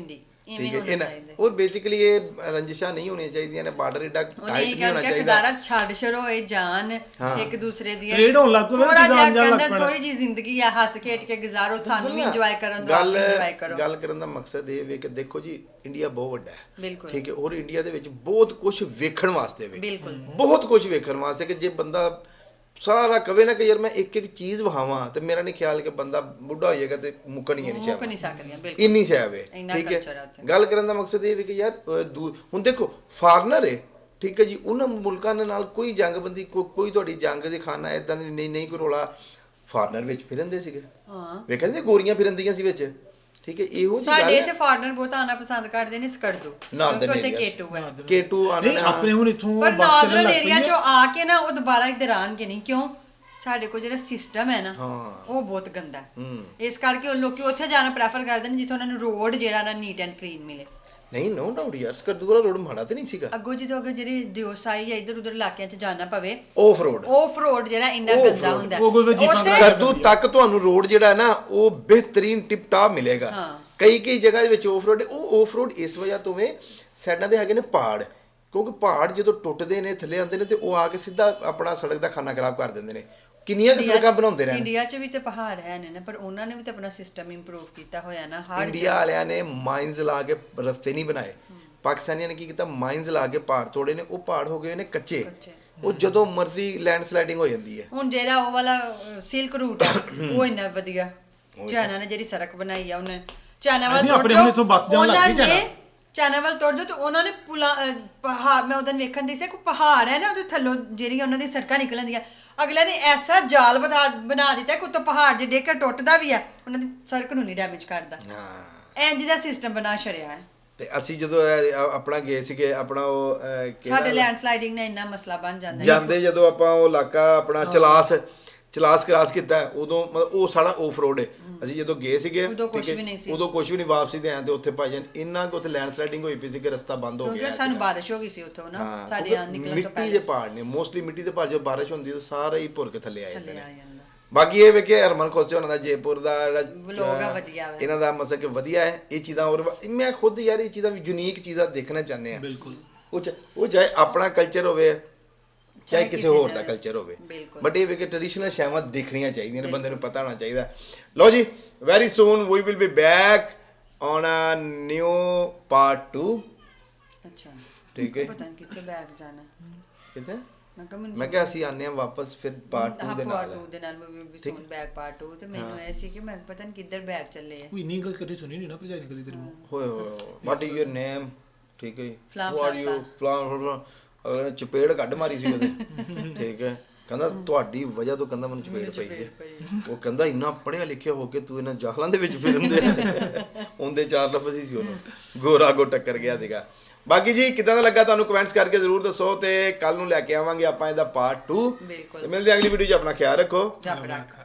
Speaker 2: ਇਵੇਂ
Speaker 1: ਠੀਕ ਹੈ
Speaker 2: ਹੋਣਾ ਚਾਹੀਦਾ।
Speaker 1: ਔਰ ਬੇਸਿਕਲੀ ਇਹ ਰੰਜਿਸ਼ਾਂ ਨਹੀਂ ਹੋਣੀਆਂ ਚਾਹੀਦੀਆਂ ਨੇ, ਬਾਰਡਰ ਏਡਾ
Speaker 2: ਉਹਨੇ
Speaker 1: ਟਾਈਟ
Speaker 2: ਇਹ
Speaker 1: ਨਹੀਂ ਹੋਣਾ
Speaker 2: ਕਿਹਾ
Speaker 1: ਚਾਹੀਦਾ।
Speaker 2: ਖਦਾਰਾ ਛੱਡ ਛੜੋ ਇਹ ਜਾਨ
Speaker 1: ਹਾਂ।
Speaker 2: ਇੱਕ ਦੂਸਰੇ ਦੀ
Speaker 3: Trade ਹੋਣ ਲੱਗ ਪਵੇ,
Speaker 2: ਥੋੜਾ ਜਿਹਾ
Speaker 3: ਜਾਣ ਲੱਗ
Speaker 2: ਕਹਿੰਦਾ
Speaker 3: ਪੈਣਾ।
Speaker 2: ਥੋੜੀ ਜੀ ਜ਼ਿੰਦਗੀ ਆ, ਹੱਸ ਖੇਡ ਕੇ ਗੁਜ਼ਾਰੋ, ਸਾਨੂੰ ਵੀ ਇੰਜੋਏ ਕਰਨ ਦਿਓ, ਆਪ ਵੀ ਇੰਜੋਏ ਕਰੋ।
Speaker 1: ਗੱਲ ਕਰਨ ਦਾ ਮਕਸਦ ਇਹ ਵੇ ਕਿ ਦੇਖੋ ਜੀ ਇੰਡੀਆ ਬਹੁਤ ਵੱਡਾ ਹੈ,
Speaker 2: ਬਿਲਕੁਲ।
Speaker 1: ਠੀਕ ਹੈ, ਔਰ ਇੰਡੀਆ ਦੇ ਵਿੱਚ ਬਹੁਤ ਕੁਝ ਵੇਖਣ ਵਾਸਤੇ ਵੇ,
Speaker 2: ਬਿਲਕੁਲ।
Speaker 1: ਬਹੁਤ ਕੁਝ ਵੇਖਣ ਵਾਸਤੇ ਕਿ ਜੇ ਬੰਦਾ ਸਾਰਾ ਕਵੇ ਨਾ ਕਿ ਯਾਰ ਮੈਂ ਇੱਕ ਇੱਕ ਚੀਜ਼ ਵਹਾਵਾਂ ਤੇ ਮੇਰਾ ਨਹੀਂ ਖਿਆਲ ਕਿ ਬੰਦਾ ਬੁੱਢਾ ਹੋ ਜਾਏਗਾ ਤੇ ਮੁੱਕਣੀ ਨਹੀਂ
Speaker 2: ਮੁੱਕ
Speaker 1: ਚਾਹੀਦਾ,
Speaker 2: ਨਹੀਂ ਸਕਦੀਆਂ ਬਿਲਕੁਲ।
Speaker 1: ਇੰਨੀ ਸ਼ੈਬ ਹੈ।
Speaker 2: ਇੰਨਾ
Speaker 1: ਠੀਕ
Speaker 2: culture ਹੈ
Speaker 1: ਹੈ,
Speaker 2: ਉੱਥੇ।
Speaker 1: ਗੱਲ ਕਰਨ ਦਾ ਮਕਸਦ ਇਹ ਵੀ ਕਿ ਯਾਰ ਹੁਣ ਦੇਖੋ ਫਾਰਨਰ ਹੈ, ਠੀਕ ਹੈ ਜੀ, ਉਹਨਾਂ ਮੁਲਕਾਂ ਦੇ ਨਾਲ ਕੋਈ ਜੰਗਬੰਦੀ ਕੋਈ ਤੁਹਾਡੀ ਜੰਗ ਦੇ ਖਾਨਾ ਇਦਾਂ ਦੀ ਨਹੀਂ ਕੋਈ ਰੋਲਾ, ਫਾਰਨਰ ਵਿੱਚ ਫਿਰਨਦੇ ਸੀਗੇ,
Speaker 2: ਹਾਂ
Speaker 1: ਵੇਖਿਆ ਸੀ ਗੋਰੀਆਂ ਫਿਰਨਦੀਆਂ ਸੀ ਵਿੱਚ, ਠੀਕ ਹੈ, ਇਹੋ ਜਿਹੀ
Speaker 2: ਸਾਡੇ
Speaker 1: ਗੱਲ
Speaker 2: ਇੱਥੇ
Speaker 1: ਹੈ।
Speaker 2: ਫਾਰਨਰ ਬਹੁਤ ਆਣਾ ਪਸੰਦ ਕਰਦੇ ਨੇ ਸਕਰਦੂ,
Speaker 1: Northern
Speaker 2: ਕਿਉਂਕਿ ਉੱਥੇ
Speaker 1: areas।
Speaker 2: ਕੇਟੂ ਹੈ।
Speaker 1: ਕੇਟੂ ਆਣਾ
Speaker 3: ਨਹੀਂ ਆਪਣੇ ਹੁਣ ਇੱਥੋਂ
Speaker 2: ਪਰ
Speaker 3: ਬੱਸ ਚੱਲਣ
Speaker 2: ਨਾਰਦਰਨ
Speaker 3: ਲੱਗ
Speaker 2: ਏਰੀਆ
Speaker 3: ਪਈ
Speaker 2: ਚੋਂ
Speaker 3: ਹੈ।
Speaker 2: ਆ ਕੇ ਨਾ ਉਹ ਦੁਬਾਰਾ ਇੱਧਰ ਆਣਗੇ ਨਹੀਂ, ਕਿਉਂ? ਸਾਡੇ ਕੋਲ ਜਿਹੜਾ ਸਿਸਟਮ ਹੈ ਨਾ
Speaker 1: ਹਾਂ।
Speaker 2: ਉਹ ਬਹੁਤ ਗੰਦਾ ਹੈ।
Speaker 1: ਹੂੰ।
Speaker 2: ਇਸ ਕਰਕੇ ਉਹ ਲੋਕੀ ਉੱਥੇ ਜਾਣਾ ਪ੍ਰੈਫਰ ਕਰਦੇ ਨੇ ਜਿੱਥੇ ਉਹਨਾਂ ਨੂੰ ਰੋਡ ਜਿਹੜਾ ਨਾ ਨੀਟ ਐਂਡ ਕਲੀਨ ਮਿਲੇ।
Speaker 1: ਨਹੀਂ ਨੋ ਡਾਊਟ ਯਾਰ, ਸਕਰਦੂ ਵਾਲਾ ਰੋਡ ਮਾੜਾ ਤੇ ਨਹੀਂ ਸੀਗਾ,
Speaker 2: ਅੱਗੋਂ ਜਦੋਂ ਅਗਰ ਜਿਹੜੇ ਦਿਓਸਾਈ ਜਾਂ ਇੱਧਰ ਉੱਧਰ ਇਲਾਕਿਆਂ 'ਚ ਜਾਣਾ ਪਵੇ,
Speaker 1: ਆਫ ਰੋਡ
Speaker 2: ਆਫ ਰੋਡ ਜਿਹੜਾ ਇੰਨਾ
Speaker 1: Off
Speaker 2: ਗੰਦਾ
Speaker 1: road।
Speaker 2: ਹੁੰਦਾ
Speaker 3: ਉਹ ਕੋਈ ਜੀਪਾਂ
Speaker 2: ਉੱਥੇ-
Speaker 3: ਦਾ
Speaker 1: ਸਕਰਦੂ ਤੱਕ ਤੁਹਾਨੂੰ ਰੋਡ ਜਿਹੜਾ ਹੈ ਨਾ ਉਹ ਬਿਹਤਰੀਨ ਟਿਪ ਟਾਪ ਮਿਲੇਗਾ।
Speaker 2: ਹਾਂ।
Speaker 1: ਕਈ ਜਗ੍ਹਾ ਦੇ ਵਿੱਚ ਆਫ ਰੋਡ, ਉਹ ਆਫ ਰੋਡ ਇਸ ਵਜ੍ਹਾ ਤੋਂ ਵੇ ਸਾਈਡਾਂ ਦੇ ਹੈਗੇ ਨੇ ਪਹਾੜ, ਕਿਉਂਕਿ ਪਹਾੜ ਜਦੋਂ ਟੁੱਟਦੇ ਨੇ ਥੱਲੇ ਆਉਂਦੇ ਨੇ ਤੇ ਉਹ ਆ ਕੇ ਸਿੱਧਾ ਆਪਣਾ ਸੜਕ ਦਾ ਖਾਨਾ ਖਰਾਬ ਕਰ ਦਿੰਦੇ ਨੇ। ਕਿੰਨੀਆਂ ਕੁ ਸੜਕਾਂ ਬਣਾਉਂਦੇ ਰਹਿਣ।
Speaker 2: ਇੰਡੀਆ 'ਚ ਵੀ ਤੇ ਪਹਾੜ ਹੈ ਨੇ ਨਾ, ਪਰ ਉਹਨਾਂ ਨੇ ਵੀ ਤਾਂ ਆਪਣਾ ਸਿਸਟਮ ਇੰਪਰੂਵ ਕੀਤਾ ਹੋਇਆ ਨਾ ਹਰ
Speaker 1: ਇੰਡੀਆ ਵਾਲਿਆਂ ਨੇ ਮਾਈਨਸ ਲਾ ਕੇ ਰਸਤੇ ਨਹੀਂ ਬਣਾਏ, ਪਾਕਿਸਤਾਨੀਆਂ ਨੇ ਕੀ ਕੀਤਾ, ਮਾਈਨਸ ਲਾ ਕੇ ਪਹਾੜ ਤੋੜੇ ਨੇ, ਉਹ ਪਹਾੜ ਹੋ ਗਏ ਨੇ ਕੱਚੇ, ਉਹ ਜਦੋਂ ਮਰਜ਼ੀ ਲੈਂਡ ਸਲਾਈਡਿੰਗ ਹੋ ਜਾਂਦੀ ਹੈ।
Speaker 2: ਹੁਣ ਜਿਹੜਾ ਉਹ ਵਾਲਾ ਸਿਲਕ ਰੂਟ ਹੈ ਉਹ ਇੰਨਾ ਵਧੀਆ, ਚਾਈਨਾ ਨੇ ਜਿਹੜੀ ਸੜਕ ਬਣਾਈ ਆ, ਉਹਨੇ ਚਾਈਨਾ ਵੱਲ
Speaker 3: ਨਹੀਂ,
Speaker 2: ਤੁਰ
Speaker 3: ਆਪਣੇ
Speaker 2: ਜਾਓ,
Speaker 3: ਹੁਣ ਇੱਥੋਂ ਬੱਸ ਜਾਣ ਲੱਗ
Speaker 2: ਉਹਨਾਂ
Speaker 3: ਪਈ
Speaker 2: ਨੇ
Speaker 3: ਚਾਈਨਾ।
Speaker 2: ਚਾਈਨਾ ਵੱਲ ਤੁਰ ਜਾਓ ਤੇ ਉਹਨਾਂ ਨੇ ਪਹਾੜ, ਮੈਂ ਉਦੋਂ ਵੇਖਣ ਦੀ ਸੀ ਕੋਈ ਪਹਾੜ ਹੈ ਨਾ, ਉਹਦੇ ਥੱਲੋਂ ਜਿਹੜੀਆਂ ਉਹਨਾਂ ਦੀ ਸੜਕਾਂ ਨਿਕਲਣਦੀਆਂ, ਅਗਲੇ ਨੇ ਐਸਾ ਜਾਲ ਬਣਾ ਦਿੱਤਾ ਕਿ ਉੱਤੋਂ ਪਹਾੜ ਜੇ ਡਿੱਗ ਕੇ ਟੁੱਟਦਾ ਵੀ ਆ, ਉਹਨਾਂ ਦੀ ਸੜਕ ਨੂੰ ਨਹੀਂ ਡੈਮੇਜ ਕਰਦਾ।
Speaker 1: ਹਾਂ,
Speaker 2: ਇੰਜ ਦਾ ਸਿਸਟਮ ਬਣਾ ਛੜਿਆ ਹੈ।
Speaker 1: ਤੇ ਅਸੀਂ ਜਦੋਂ ਆਪਣਾ ਗਏ ਸੀਗੇ ਆਪਣਾ ਉਹ ਕਿਹੜਾ-
Speaker 2: ਸਾਡੇ ਲੈਂਡ ਸਲਾਈਡਿੰਗ ਨਾਲ ਇੰਨਾ ਮਸਲਾ ਬਣ ਜਾਂਦਾ ਹੈ।
Speaker 1: ਜਾਂਦੇ ਜਦੋਂ ਆਪਾਂ ਉਹ ਇਲਾਕਾ ਆਪਣਾ ਚਲਾਸ ਕ੍ਰਾਸ ਕੀਤਾ, ਉਦੋਂ ਮਤਲਬ ਉਹ ਸਾਡਾ ਆਫ ਰੋਡ ਹੈ। ਅਸੀਂ ਜਦੋਂ ਗਏ ਸੀਗੇ
Speaker 2: ਉਦੋਂ ਕੁਛ
Speaker 1: ਠੀਕ ਹੈ,
Speaker 2: ਵੀ ਨਹੀਂ ਸੀ।
Speaker 1: ਉਦੋਂ ਕੁਝ ਵੀ ਨਹੀਂ, ਵਾਪਸੀ ਤੇ ਆਏ ਤੇ ਉੱਥੇ ਭਾਈ ਜਾਨ ਇੰਨਾ ਕਿ ਉੱਥੇ ਲੈਂਡ ਸਲਾਈਡਿੰਗ ਹੋਈ ਪਈ ਸੀ ਕਿ ਰਸਤਾ ਬੰਦ ਹੋ ਗਿਆ
Speaker 2: ਕਿਉਂਕਿ ਸਾਨੂੰ ਬਾਰਿਸ਼ ਹੋ ਗਈ ਸੀ ਉੱਥੋਂ ਨਾ,
Speaker 1: ਹਾਂ,
Speaker 2: ਸਾਡੇ
Speaker 1: ਕਿਉਂਕਿ
Speaker 2: ਆਉਣ ਨਿਕਲਣ ਤੋਂ
Speaker 1: ਮਿੱਟੀ
Speaker 2: ਪਹਿਲੇ
Speaker 1: ਦੇ ਪਹਾੜ ਨੇ, ਮੋਸਟਲੀ ਮਿੱਟੀ ਦੇ ਪਹਾੜ, ਜਦੋਂ ਬਾਰਿਸ਼ ਹੁੰਦੀ ਤਾਂ ਸਾਰੇ ਹੀ ਭੁਰ ਕੇ ਥੱਲੇ ਆ ਜਾਂਦੇ
Speaker 2: ਥੱਲੇ ਆ
Speaker 1: ਨੇ।
Speaker 2: ਜਾਂਦਾ।
Speaker 1: ਬਾਕੀ ਇਹ ਵੇਖੇ ਹਰਮਨ ਖੋਸੇ ਉਹਨਾਂ ਦਾ ਜੈਪੁਰ ਦਾ
Speaker 2: Vlog ਆ ਵਧੀਆ ਵਾ।
Speaker 1: ਇਹਨਾਂ ਦਾ ਮਤਲਬ ਕਿ ਵਧੀਆ ਹੈ ਇਹ ਚੀਜ਼ਾਂ, ਔਰ ਮੈਂ ਖੁਦ ਯਾਰ ਇਹ ਚੀਜ਼ਾਂ ਵੀ ਯੂਨੀਕ ਚੀਜ਼ਾਂ ਦੇਖਣਾ ਚਾਹੁੰਦੇ ਆ।
Speaker 3: ਬਿਲਕੁਲ।
Speaker 1: ਉਹ ਚਾਹੇ ਆਪਣਾ ਕਲਚਰ ਹੋਵੇ ਚਾਹੇ
Speaker 2: ਚਾਹੇ
Speaker 1: ਕਿਸੇ
Speaker 2: ਕਿਸੇ
Speaker 1: ਹੋਰ
Speaker 2: ਦਾ
Speaker 1: ਦਾ ਕਲਚਰ ਹੋਵੇ,
Speaker 2: ਬਿਲਕੁਲ।
Speaker 1: ਬਟ ਇਹ ਵੇ ਕਿ ਟ੍ਰੈਡੀਸ਼ਨਲ ਸ਼ੈਵਾਂ ਦੇਖਣੀਆਂ ਚਾਹੀਦੀਆਂ ਨੇ, ਬੰਦੇ ਨੂੰ ਪਤਾ ਹੋਣਾ ਚਾਹੀਦਾ। ਲਓ ਜੀ, very soon we will be back on a new part 2।
Speaker 2: ਅੱਛਾ,
Speaker 1: ਠੀਕ ਹੈ,
Speaker 2: ਪਤਾ ਨਹੀਂ ਕਿੱਥੇ ਬੈਗ ਜਾਣਾ।
Speaker 1: ਕਿਤੇ
Speaker 2: ਮੈਨੂੰ
Speaker 1: ਮੈਂ ਕਿਹਾ ਅਸੀਂ ਆਨੇ ਆ ਵਾਪਸ ਫਿਰ ਪਾਰਟ 2 ਦੇ
Speaker 2: ਪਾਰਟ
Speaker 1: ਨਾਲ।
Speaker 2: 2 ਦੇ ਨਾਲ ਵੀ ਸੂਨ ਬੈਗ ਪਾਰਟ 2, ਤੇ ਮੈਨੂੰ ਐ ਸੀ ਕਿ ਮੈਂ ਪਤਾ ਨਹੀਂ ਕਿੱਧਰ ਬੈਗ ਚੱਲੇ ਆ।
Speaker 3: ਕੋਈ ਨਹੀਂ ਗੱਲ ਕਦੇ ਸੁਣੀ ਨਹੀਂ ਨਾ ਭਜਾਈ ਨੇ ਕਦੀ ਤੇਰੇ ਮੂੰਹ।
Speaker 1: ਹੋਏ ਵਾਟ ਇਜ਼ ਯੂਰ ਨੇਮ, ਠੀਕ ਹੈ,
Speaker 2: ਫਲਾਂ,
Speaker 1: ਹੂ ਆਰ ਯੂ, ਫਲਾਂ, ਅਗਲੇ ਨੇ ਚਪੇੜ ਕੱਢ ਮਾਰੀ ਸੀ ਉਹਦੇ, ਠੀਕ ਹੈ, ਕਹਿੰਦਾ ਤੁਹਾਡੀ ਵਜ੍ਹਾ ਤੋਂ ਕਹਿੰਦਾ ਮੈਨੂੰ ਚਪੇੜ ਪਈ ਹੈ। ਉਹ ਕਹਿੰਦਾ ਇੰਨਾ ਪੜ੍ਹਿਆ ਲਿਖਿਆ ਹੋ ਕੇ ਤੂੰ ਇਹਨਾਂ ਜਾਹਲਾਂ ਦੇ ਵਿੱਚ ਫਿਰਦੇ ਉਹਦੇ 4 ਲਫ਼ਜ਼ ਹੀ ਸੀ ਉਹਨੂੰ, ਗੋਰਾ ਗੋ ਟੱਕਰ ਗਿਆ ਸੀਗਾ। ਬਾਕੀ ਜੀ ਕਿਦਾਂ ਦਾ ਲੱਗਾ ਤੁਹਾਨੂੰ ਕਮੈਂਟਸ ਕਰਕੇ ਜ਼ਰੂਰ ਦੱਸੋ, ਤੇ ਕੱਲ ਨੂੰ ਲੈ ਕੇ ਆਵਾਂਗੇ ਆਪਾਂ ਇਹਦਾ ਪਾਰਟ 2।
Speaker 2: ਬਿਲਕੁਲ।
Speaker 1: ਮਿਲਦੇ ਅਗਲੀ ਵੀਡੀਓ 'ਚ, ਆਪਣਾ ਖਿਆਲ ਰੱਖੋ।
Speaker 2: ਰੱਬ ਰੱਖ।